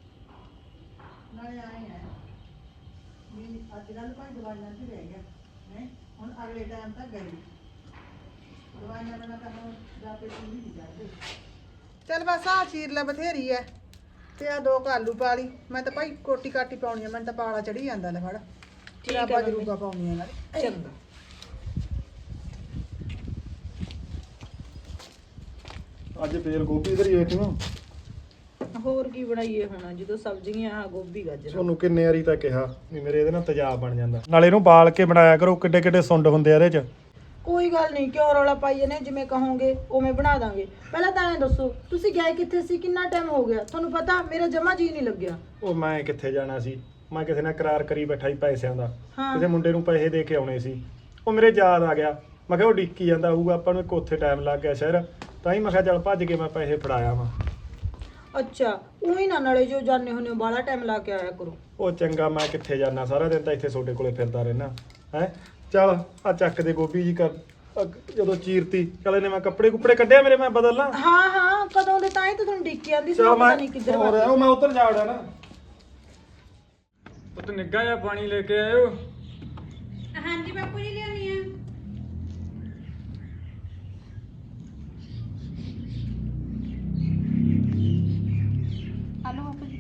Speaker 3: ਨਾਲੇ ਆਏ ਆ ਵੀ ਅੱਜ ਕੱਲ੍ਹ ਭਾਈ ਦਵਾਈਆਂ 'ਚ ਰਹਿ ਗਿਆ ਹੈ ਹੁਣ ਅਗਲੇ ਟਾਈਮ ਤੱਕ ਗਈ ਦਵਾਈਆਂ ਬਿਨਾਂ ਤਾਂ ਹੁਣ ਜਾ ਕੇ ਪੂਰੀ ਨਹੀਂ ਕਰਦੇ ਚੱਲ ਬਸ ਆ ਚੀਰ ਲੈ ਬਥੇਰੀ ਐ ਤੇ ਆ 2 ਆਲੂ ਪਾ ਲਈ ਮੈਂ ਤਾਂ ਭਾਈ ਕੋਟੀ ਕਾਟੀ ਪਾਉਣੀ ਆ ਮੈਨੂੰ ਤਾਂ ਪਾਲਾ ਚੜੀ ਜਾਂਦਾ ਲੈ ਫੜ
Speaker 4: ਠੀਕ ਆ
Speaker 3: ਆਪਾਂ
Speaker 4: ਮੰਮੀ।
Speaker 3: ਜਰੂਗਾ ਪਾਉਣੀ ਆ ਨਾਲੇ
Speaker 4: ਚੰਗਾ
Speaker 1: ਅੱਜ ਫੇਰ ਗੋਭੀ ਧਰੀ ਹੋਈ ਤੂੰ
Speaker 4: ਹੋਰ ਕੀ ਬਣਾਈਏ ਹੁਣ ਜਦੋਂ ਸਬਜ਼ੀਆਂ ਆ ਗੋਭੀ ਗਾਜਰ
Speaker 1: ਤੁਹਾਨੂੰ ਕਿੰਨੇ ਵਾਰੀ ਤਾਂ ਕਿਹਾ ਵੀ ਮੇਰੇ ਇਹਦੇ ਨਾਲ ਤੇਜ਼ਾਬ ਬਣ ਜਾਂਦਾ ਨਾਲੇ ਇਹਨੂੰ ਬਾਲ ਕੇ ਬਣਾਇਆ ਕਰੋ ਕਿੱਡੇ ਕਿੱਡੇ ਸੁੰਡ ਹੁੰਦੇ ਆ ਇਹਦੇ 'ਚ
Speaker 4: ਕੋਈ ਗੱਲ ਨਹੀਂ ਕਿਉਂ ਰੌਲਾ ਪਾਈਏ ਨੇ ਜਿਵੇਂ ਕਹੋਗੇ ਉਵੇਂ ਬਣਾ ਦਾਂਗੇ ਪਹਿਲਾਂ ਤਾਂ ਐਂ ਦੱਸੋ ਤੁਸੀਂ ਗਏ ਕਿੱਥੇ ਸੀ ਕਿੰਨਾ ਟਾਈਮ ਹੋ ਗਿਆ ਤੁਹਾਨੂੰ ਪਤਾ ਮੇਰਾ ਜਮਾ ਜੀ ਨਹੀਂ ਲੱਗਿਆ
Speaker 1: ਉਹ ਮੈਂ ਕਿੱਥੇ ਜਾਣਾ ਸੀ ਮੈਂ ਕਿਸੇ ਨਾਲ ਕਰਾਰ ਕਰੀ ਬੈਠਾ ਸੀ ਪੈਸਿਆਂ ਦਾ
Speaker 4: ਹਾਂ।
Speaker 1: ਕਿਸੇ ਮੁੰਡੇ ਨੂੰ ਪੈਸੇ ਦੇ ਕੇ ਆਉਣੇ ਸੀ ਉਹ ਮੇਰੇ ਯਾਦ ਆ ਗਿਆ ਮੈਂ ਕਿਹਾ ਉਹ ਡਿੱਕੀ ਜਾਂਦਾ ਹੋਊਗਾ ਆਪਾਂ ਨੂੰ ਇੱਕ ਉੱਥੇ ਟਾਈਮ ਲੱਗ ਗਿਆ ਸ਼ਹਿਰ ਤਾਂ ਹੀ ਮੈਂ ਕਿਹਾ ਚੱਲ ਭੱਜ ਕੇ ਮੈਂ ਪੈਸੇ ਫੜਾਇਆ ਵਾਂ
Speaker 4: ਅੱਛਾ ਉਹੀ ਨਾ ਨਾਲੇ ਜੋ ਜਾਣੇ ਹੁੰਨੇ ਬਾਲਾ ਟਾਈਮ ਲਾ ਕੇ ਆਇਆ ਕਰੋ
Speaker 1: ਉਹ ਚੰਗਾ ਮੈਂ ਕਿੱਥੇ ਜਾਣਾ ਸਾਰਾ ਦਿਨ ਤਾਂ ਇੱਥੇ ਤੁਹਾਡੇ ਕੋਲੇ ਫਿਰਦਾ ਰਹਿਣਾ ਹੈ ਚੱਲ ਆ ਚੱਕ ਦੇ ਗੋਭੀ ਜੀ ਕਰ ਜਦੋਂ ਚੀਰਤੀ ਚੱਲ ਇਹਨੇ ਮੈਂ ਕੱਪੜੇ ਕੁੱਪੜੇ ਕੱਢਿਆ ਮੇਰੇ ਮੈਂ ਬਦਲ ਲਾਂ।
Speaker 3: ਹਾਂ ਹਾਂ ਕਦੋਂ ਦੇ ਤਾਂ ਹੀ ਤਾਂ ਤੁਹਾਨੂੰ ਡਿੱਕੀ ਆਂਦੀ ਸੀ
Speaker 1: ਚੱਲ
Speaker 3: ਪਤਾ
Speaker 1: ਮੈਂ
Speaker 3: ਨਹੀਂ ਕਿੱਧਰ
Speaker 1: ਹੋਰ
Speaker 3: ਵਗ
Speaker 1: ਉਹ ਮੈਂ ਉੱਧਰ ਜਾ ਵੜਿਆ ਨਾ।
Speaker 5: ਪੁੱਤ ਨਿੱਘਾ ਜਿਹਾ ਪਾਣੀ ਲੈ ਕੇ ਆਇਓ।
Speaker 4: ਹਾਂਜੀ ਬਾਪੂ ਜੀ ਲਿਆਉਣੀ ਆ। ਹਲੋ ਬਾਪੂ ਜੀ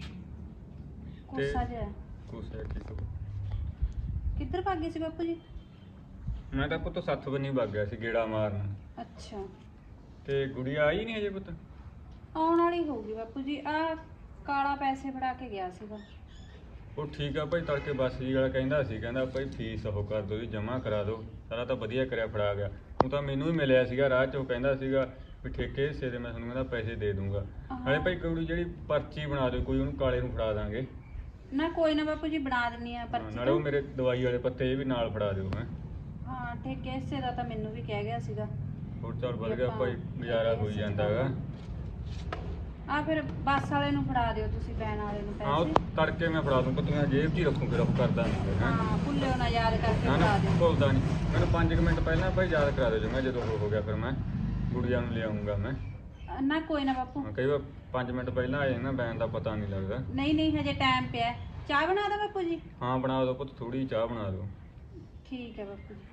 Speaker 4: ਕੋਸਾ ਜਿਹਾ
Speaker 5: ਕੋਸੇ ਕੀ ਤੂੰ
Speaker 4: ਕਿੱਧਰ ਭੱਗ ਗਏ ਸੀ ਬਾਪੂ ਜੀ?
Speaker 5: ਮੈਂ ਤਾਂ ਪੁੱਤ ਸੱਥ ਬੰਨੀ ਵਗ ਗਿਆ ਸੀ ਗੇੜਾ ਮਾਰਨ।
Speaker 4: ਅੱਛਾ
Speaker 5: ਤੇ ਗੁੜੀਆ ਆਈ ਨਹੀਂ ਹਜੇ ਪੁੱਤ?
Speaker 4: ਆਉਣ ਵਾਲੀ ਹੋਊਗੀ ਬਾਪੂ ਜੀ। ਆ ਕਾਲਾ ਪੈਸੇ ਫੜਾ ਕੇ ਗਿਆ ਸੀਗਾ।
Speaker 5: ਉਹ ਠੀਕ ਆ ਭਾਈ, ਤੜਕੇ ਬੱਸ ਜੀ ਵਾਲਾ ਕਹਿੰਦਾ ਭਾਈ ਫੀਸ ਉਹ ਕਰ ਦਿਓ ਜੀ, ਜਮ੍ਹਾਂ ਕਰਾ ਦਿਓ। ਸਾਰਾ ਤਾਂ ਵਧੀਆ ਕਰਿਆ, ਫੜਾ ਗਿਆ। ਉਹ ਤਾਂ ਮੈਨੂੰ ਵੀ ਮਿਲਿਆ ਸੀਗਾ ਰਾਹ 'ਚ, ਉਹ ਕਹਿੰਦਾ ਸੀਗਾ ਵੀ ਠੇਕੇ ਹਿੱਸੇ ਦੇ ਮੈਂ ਤੁਹਾਨੂੰ ਕਹਿੰਦਾ ਪੈਸੇ ਦੇ ਦੂੰਗਾ। ਨਾਲੇ ਭਾਈ ਕੁੜੀ ਜਿਹੜੀ ਪਰਚੀ ਬਣਾ ਦਿਓ ਕੋਈ, ਉਹਨੂੰ ਕਾਲੇ ਨੂੰ ਫੜਾ ਦਾਂਗੇ।
Speaker 4: ਨਾ ਕੋਈ ਨਾ ਬਾਪੂ ਜੀ ਬਣਾ ਦਿੰਨੀ ਆ
Speaker 5: ਹਾਂ,
Speaker 4: ਪਰਚੀ
Speaker 5: ਨਾਲੇ ਉਹ
Speaker 4: ਤਾਂ।
Speaker 5: ਮੇਰੇ ਦਵਾਈ ਵਾਲੇ ਪੱਤੇ ਇਹ ਵੀ ਨਾਲ ਫੜਾ ਦਿਓ ਹੈ।
Speaker 4: ਹਾਂ ਠੇਕੇ ਹਿੱਸੇ ਦਾ ਤਾਂ ਮੈਨੂੰ ਵੀ ਕਹਿ ਗਿਆ ਸੀਗਾ।
Speaker 5: ਹੋਰ ਚੱਲ ਵਧ ਗਿਆ ਭਾਈ, ਗੁਜ਼ਾਰਾ ਹੋਈ ਜਾਂਦਾ ਹੈਗਾ।
Speaker 4: ਆ ਫਿਰ ਬੱਸ ਵਾਲੇ ਨੂੰ ਫੜਾ ਦਿਓ ਤੁਸੀਂ, ਵੈਨ ਵਾਲੇ ਨੂੰ
Speaker 5: ਹਾਂ ਉਹ
Speaker 4: ਪੈਸੇ।
Speaker 5: ਤੜਕੇ ਮੈਂ ਫੜਾ ਦੂੰ ਪੁੱਤ, ਮੈਂ ਜੇਬ 'ਚ ਹੀ ਰੱਖੂ, ਫਿਰ ਉਹ ਕਰਦਾ ਨਹੀਂ ਹੈ।
Speaker 4: ਹਾਂ ਭੁੱਲਿਓ ਨਾ, ਯਾਦ ਕਰਕੇ
Speaker 5: ਨਾ
Speaker 4: ਫੜਾ
Speaker 5: ਨਾ
Speaker 4: ਦਿਓ।
Speaker 5: ਭੁੱਲਦਾ ਨਹੀਂ। ਮੈਨੂੰ 5 ਮਿੰਟ ਪਹਿਲਾਂ ਭਾਈ ਯਾਦ ਕਰਾ ਦਿਓ ਜੀ, ਮੈਂ ਜਦੋਂ ਹੋ ਗਿਆ ਫਿਰ ਮੈਂ ਗੁੜੀਆ ਨੂੰ ਲਿਆਉਂਗਾ ਮੈਂ।
Speaker 4: ਨਾ ਕੋਈ ਨਾ ਬਾਪੂ।
Speaker 5: ਹਾਂ, ਕਈ ਵਾਰ 5 ਮਿੰਟ ਪਹਿਲਾਂ ਆ ਜਾਏ ਨਾ ਬੈਨ ਦਾ ਪਤਾ ਨਹੀਂ ਲੱਗਦਾ।
Speaker 4: ਨਹੀਂ ਨਹੀਂ ਹਜੇ ਟਾਈਮ ਪਿਆ। ਚਾਹ ਬਣਾ ਦੋ ਬਾਪੂ ਜੀ?
Speaker 5: ਹਾਂ ਬਣਾ ਦਿਓ ਪੁੱਤ, ਥੋੜੀ ਚਾਹ ਬਣਾ ਦਿਓ।
Speaker 4: ਠੀਕ ਹੈ ਬਾਪੂ ਜੀ।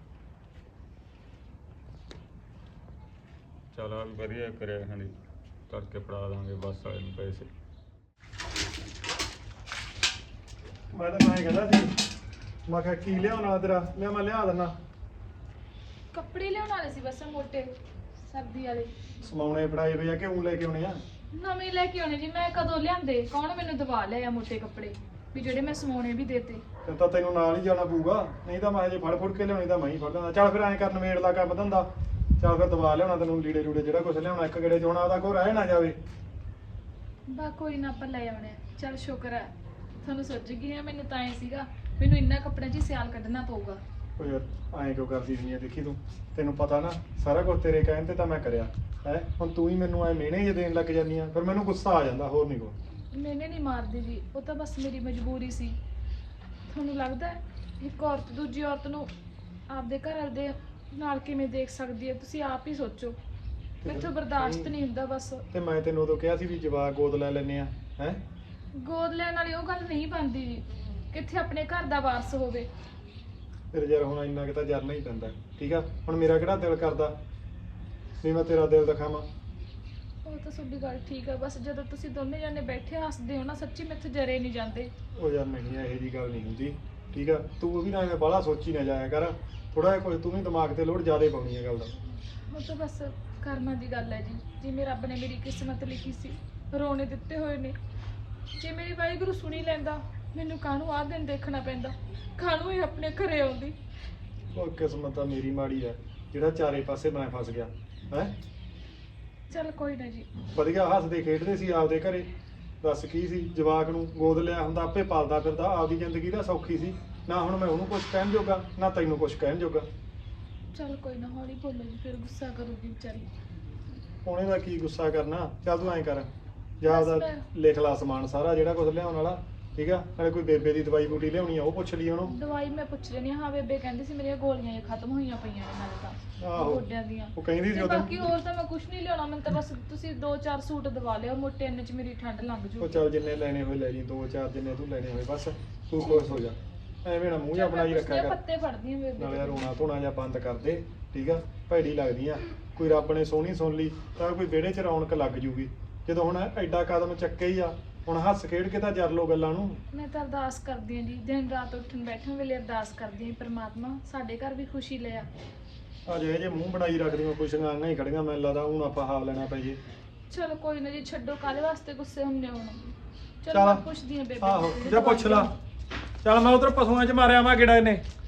Speaker 5: ਚਲ ਆ ਵੀ ਵਧੀਆ ਕਰਿਆ ਹਾਂਜੀ, ਤੜਕੇ ਫੜਾ ਦਾਂਗੇ ਬੱਸ ਵਾਲੇ ਨੂੰ ਪੈਸੇ।
Speaker 1: ਮੈਂ ਤਾਂ ਮੈਂ ਕਹਿੰਦਾ ਸੀ, ਮੈਂ ਕਿਹਾ ਕੀ ਲਿਆਉਣ ਵਾਲਾ ਤੇਰਾ, ਮੈਂ ਲਿਆ ਦਿੰਦਾ।
Speaker 2: ਕੱਪੜੇ ਲਿਆਉਣ ਵਾਲੇ ਸੀ ਬਸ ਮੋਟੇ ਸਰਦੀ ਵਾਲੇ।
Speaker 1: ਸਮਾਉਣੇ ਫੜਾਏ ਵੇ ਆ ਕਿ ਉਂ ਲੈ ਕੇ ਆਉਣੇ ਆ?
Speaker 2: ਨਵੇਂ ਲੈ ਕੇ ਆਉਣੇ ਜੀ, ਮੈਂ ਕਦੋਂ ਲਿਆਂਦੇ? ਕੌਣ ਮੈਨੂੰ ਦਵਾ ਲਿਆ ਮੋਟੇ ਕੱਪੜੇ ਵੀ ਜਿਹੜੇ ਮੈਂ ਸਮਾਉਣੇ ਵੀ ਦੇਤੇ?
Speaker 1: ਫਿਰ ਤਾਂ ਤੈਨੂੰ ਨਾਲ ਹੀ ਜਾਣਾ ਪਊਗਾ, ਨਹੀਂ ਤਾਂ ਮੈਂ ਹਜੇ ਫੜ ਫੁੜ ਕੇ ਲਿਆਉਣੀ ਤਾਂ ਮੈਂ ਹੀ ਫੜ ਲੈਂਦਾ। ਚੱਲ ਫਿਰ ਐਂ ਕਰ, ਨਵੇੜ ਲਾ ਕੰਮ ਧੰਦਾ। ਚੱਲ ਫਿਰ ਦਵਾ ਲਿਆਉਣਾ ਤੈਨੂੰ, ਲੀੜੇ ਲੂੜੇ ਜਿਹੜਾ ਕੁਝ ਲਿਆਉਣਾ ਇੱਕ ਗੇੜੇ 'ਚ ਹੋਣਾ, ਉਹਦਾ ਕੋਈ ਰਹਿ ਨਾ ਜਾਵੇ।
Speaker 2: ਬਾ ਕੋਈ ਨਾ ਆਪਾਂ ਲੈ ਆਉਣੇ ਆ। ਚੱਲ ਸ਼ੁਕਰ ਹੈ ਤੁਹਾਨੂੰ ਸੁੱਝ ਗਈ ਆ। ਮੈਨੂੰ ਤਾਂ ਐ ਸੀਗਾ ਮੈਨੂੰ ਇੰਨਾ ਕੱਪੜਿਆਂ 'ਚ ਹੀ ਸਿਆਲ ਕੱਢਣਾ ਪਊਗਾ।
Speaker 1: ਓ ਯਾਰ ਐਂ ਕਿਉਂ ਕਰਦੀ ਹੁੰਦੀ ਆ? ਦੇਖੀ ਤੈਨੂੰ ਪਤਾ ਨਾ ਸਾਰਾ ਕੁਝ ਤੇਰੇ ਕਹਿਣ ਤੇ ਤਾਂ ਮੈਂ ਕਰਿਆ ਹੈ। ਹੁਣ ਤੂੰ ਹੀ ਮੈਨੂੰ ਐ ਮਿਹਣੇ ਜਿਹੇ ਦੇਣ ਲੱਗ ਜਾਂਦੀ ਆ, ਫਿਰ ਮੈਨੂੰ ਗੁੱਸਾ ਆ ਜਾਂਦਾ, ਹੋਰ ਨਹੀਂ ਕੋਈ।
Speaker 2: ਮੈਨੇ ਨਹੀਂ ਮਾਰਦੀ ਜੀ, ਉਹ ਤਾਂ ਬਸ ਮੇਰੀ ਮਜਬੂਰੀ ਸੀ। ਤੁਹਾਨੂੰ ਲੱਗਦਾ ਹੈ ਇੱਕ ਔਰਤ ਦੂਜੀ ਔਰਤ ਨੂੰ ਆਪਦੇ ਘਰ ਵਾਲੇ ਦੇ ਨਾਲ ਕਿਵੇਂ ਦੇਖ ਸਕਦੀ ਹੈ? ਤੁਸੀਂ ਆਪ ਹੀ ਸੋਚੋ। ਮੈਥੋਂ ਬਰਦਾਸ਼ਤ ਨਹੀਂ ਹੁੰਦਾ ਬਸ।
Speaker 1: ਤੇ ਮੈਂ ਤੈਨੂੰ ਉਦੋਂ ਕਿਹਾ ਸੀ ਵੀ ਜਵਾਕ ਗੋਦ ਲੈ ਲੈਨੇ ਆ ਹੈ।
Speaker 2: ਗੋਦ ਲੈਣ ਵਾਲੀ ਉਹ ਗੱਲ ਨਹੀਂ ਬਣਦੀ ਜੀ, ਕਿੱਥੇ ਆਪਣੇ ਘਰ ਦਾ ਵਾਰਸ ਹੋਵੇ।
Speaker 1: ਫਿਰ ਯਾਰ ਹੁਣ ਇੰਨਾ ਕਿ ਤਾਂ ਜਰਨਾ ਹੀ ਪੈਂਦਾ, ਠੀਕ ਆ? ਹੁਣ ਮੇਰਾ ਕਿਹੜਾ ਦਿਲ ਕਰਦਾ ਵੀ ਮੈਂ ਤੇਰਾ ਦਿਲ ਦਿਖਾਵਾਂ?
Speaker 2: ਉਹ ਤਾਂ ਤੁਹਾਡੀ ਗੱਲ ਠੀਕ ਆ, ਬਸ ਜਦੋਂ ਤੁਸੀਂ ਦੋਨੇ ਜਾਨੇ ਬੈਠੇ ਹੱਸਦੇ ਹੋ ਨਾ, ਸੱਚੀ ਮੈਥੋਂ ਜਰੇ ਨਹੀਂ ਜਾਂਦੇ।
Speaker 1: ਉਹ ਯਾਰ ਨਹੀਂ, ਇਹੋ ਜੀ ਗੱਲ ਨਹੀਂ ਹੁੰਦੀ, ਠੀਕ ਆ? ਤੂੰ ਵੀ ਨਾ ਐਵੇਂ ਬਾਹਲਾ ਸੋਚੀ ਨਾ ਜਾਇਆ ਕਰ, ਥੋੜਾ ਜਿਹਾ ਕੁਝ ਤੂੰ ਵੀ ਦਿਮਾਗ ਤੇ ਲੋਡ ਜ਼ਿਆਦਾ ਪਾਉਣੀ ਹੈ ਗੱਲ ਦਾ।
Speaker 2: ਉਹ ਤਾਂ ਬਸ ਕਰਮਾਂ ਦੀ ਗੱਲ ਹੈ ਜੀ, ਜਿਵੇਂ ਰੱਬ ਨੇ ਮੇਰੀ ਕਿਸਮਤ ਲਿਖੀ ਸੀ, ਰੋਣੇ ਦਿੱਤੇ ਹੋਏ ਨੇ। ਜੇ ਮੇਰੀ ਵਾਹਿਗੁਰੂ ਸੁਣੀ ਲੈਂਦਾ, ਮੈਨੂੰ ਕਾਹਨੂੰ ਆਹ ਦਿਨ ਦੇਖਣਾ ਪੈਂਦਾ, ਕਾਹਨੂੰ ਇਹ ਆਪਣੇ ਘਰੇ ਆਉਂਦੀ।
Speaker 1: ਉਹ ਕਿਸਮਤ ਤਾਂ ਮੇਰੀ ਮਾੜੀ ਹੈ ਜਿਹੜਾ ਚਾਰੇ ਪਾਸੇ ਮੈਂ ਫਸ ਗਿਆ ਹੈ।
Speaker 2: ਚੱਲ ਕੋਈ ਨਾ ਜੀ।
Speaker 1: ਵਧੀਆ ਹੱਸਦੇ ਖੇਡਦੇ ਸੀ ਆਪਦੇ ਘਰੇ, ਦੱਸ ਕੀ ਸੀ? ਜਵਾਕ ਨੂੰ ਗੋਦ ਲਿਆ ਹੁੰਦਾ, ਆਪੇ ਪਾਲਦਾ ਫਿਰਦਾ, ਆਪਦੀ ਜ਼ਿੰਦਗੀ ਦਾ ਸੌਖੀ ਸੀ ਨਾ। ਹੁਣ ਮੈਂ ਉਹਨੂੰ ਕੁਝ ਕਹਿਣ ਜੋਗਾ ਨਾ ਤੈਨੂੰ ਕੁਝ ਕਹਿਣ ਜੋਗਾ।
Speaker 2: ਚੱਲ ਕੋਈ ਨਾ, ਹੌਲੀ ਬੋਲੋ ਜੀ, ਫਿਰ ਗੁੱਸਾ ਕਰੂਗੀ ਵਿਚਾਰੀ।
Speaker 1: ਉਹਨੇ ਦਾ ਕੀ ਗੁੱਸਾ ਕਰਨਾ? ਚੱਲ ਤੂੰ ਐਂ ਕਰ, ਜਾਂ
Speaker 2: ਬਸ
Speaker 1: ਉਹਦਾ
Speaker 2: ਮੈਂ-
Speaker 1: ਲਿਖ ਲਾ ਸਮਾਨ ਸਾਰਾ ਜਿਹੜਾ ਕੁਝ ਲਿਆਉਣ ਵਾਲਾ, ਠੀਕ ਆ? ਨਾਲੇ ਕੋਈ ਬੇਬੇ ਦੀ ਦਵਾਈ ਬੂਟੀ ਲਿਆਉਣੀ ਆ ਉਹ ਪੁੱਛ ਲਈ ਉਹਨੂੰ।
Speaker 2: ਦਵਾਈ ਮੈਂ ਪੁੱਛ ਲੈਣੀ ਹਾਂ, ਬੇਬੇ ਕਹਿੰਦੀ ਸੀ ਮੇਰੀਆਂ ਗੋਲੀਆਂ ਇਹ ਖਤਮ ਹੋਈਆਂ ਪਈਆਂ ਨੇ ਨਾਲੇ ਤਾਂ
Speaker 1: ਆਹੋ।
Speaker 2: ਗੋਡਿਆਂ ਦੀਆਂ।
Speaker 1: ਉਹ ਕਹਿੰਦੀ ਸੀ
Speaker 2: ਤੇ
Speaker 1: ਉਦੋਂ।
Speaker 2: ਬਾਕੀ ਹੋਰ ਤਾਂ ਮੈਂ ਕੁਝ ਨਹੀਂ ਲਿਆਉਣਾ, ਮੈਨੂੰ ਤਾਂ ਬਸ ਤੁਸੀਂ 2-4 ਸੂਟ ਦਵਾ ਲਿਓ ਮੋਟੇ, ਇੰਨੇ 'ਚ ਮੇਰੀ ਠੰਡ ਲੰਘ
Speaker 1: ਉਹ
Speaker 2: ਜੂ।
Speaker 1: ਚੱਲ ਜਿੰਨੇ ਲੈਣੇ ਹੋਏ ਲੈ ਜੀ, 2-4 ਜਿੰਨੇ ਤੂੰ ਲੈਣੇ ਹੋਏ, ਬਸ ਤੂੰ ਖੁਸ਼ ਹੋ ਜਾ। ਐਵੇਂ ਨਾ ਮੂੰਹ ਜਿਹਾ ਬਣਾਈ ਰੱਖਿਆ ਕਰ,
Speaker 2: ਪੱਤੇ ਫੜਦੀ ਹਾਂ ਬੇਬੇ
Speaker 1: ਨਾਲੇ
Speaker 2: ਦੇ।
Speaker 1: ਰੋਣਾ ਧੋਣਾ ਜਾਂ ਬੰਦ ਕਰ ਦੇ, ਠੀਕ ਆ? ਭੈੜੀ ਲੱਗਦੀ ਆ। ਕੋਈ ਰੱਬ ਨੇ ਸੋਹਣੀ ਸੁਣ ਲਈ ਤਾਂ ਕੋਈ ਵਿਹੜੇ 'ਚ ਰੌਣਕ ਲੱਗ ਜੂਗੀ। ਜਦੋਂ ਹੁਣ ਐਡਾ ਕਦਮ ਚੱਕੇ ਹੀ ਆ, ਹੁਣ ਹੱਸ ਖੇਡ ਕੇ ਤਾਂ ਜਰ ਲੋ ਗੱਲਾਂ ਨੂੰ।
Speaker 2: ਮੈਂ ਤਾਂ ਅਰਦਾਸ ਕਰਦੀ ਹਾਂ ਜੀ, ਦਿਨ ਰਾਤ ਉੱਠਣ ਬੈਠਣ ਵੇਲੇ ਅਰਦਾਸ ਕਰਦੀ ਹਾਂ, ਪ੍ਰਮਾਤਮਾ ਸਾਡੇ ਘਰ ਵੀ ਖੁਸ਼ੀ ਲੈ ਆ।
Speaker 1: ਆ ਜੇ ਮੂੰਹ ਬਣਾਈ ਰੱਖਦੀਆਂ, ਕੁਛ ਗਾਂਗਾ ਹੀ ਖੜੀਆਂ, ਮੈਨੂੰ ਲੱਗਦਾ ਹੁਣ ਆਪਾਂ ਹਾਵ ਲੈਣਾ ਪੈ ਜੇ।
Speaker 2: ਚਲੋ ਕੋਈ ਨਾ ਜੀ, ਛੱਡੋ, ਕਾਹਦੇ ਵਾਸਤੇ ਗੁੱਸੇ ਹੁੰਦੇ ਹੋ? ਚਲੋ
Speaker 1: ਚੱਲ।
Speaker 2: ਮੈਂ ਪੁੱਛਦੀ ਹਾਂ ਬੇਬੇ
Speaker 1: ਆਹੋ
Speaker 2: ਨੂੰ,
Speaker 1: ਜਾ ਪੁੱਛ ਲਾ। ਚੱਲ ਮੈਂ ਉਧਰ ਪਸ਼ੂਆਂ 'ਚ ਮਾਰਿਆ ਵਾ ਗੇੜਾ ਇਹਨੇ।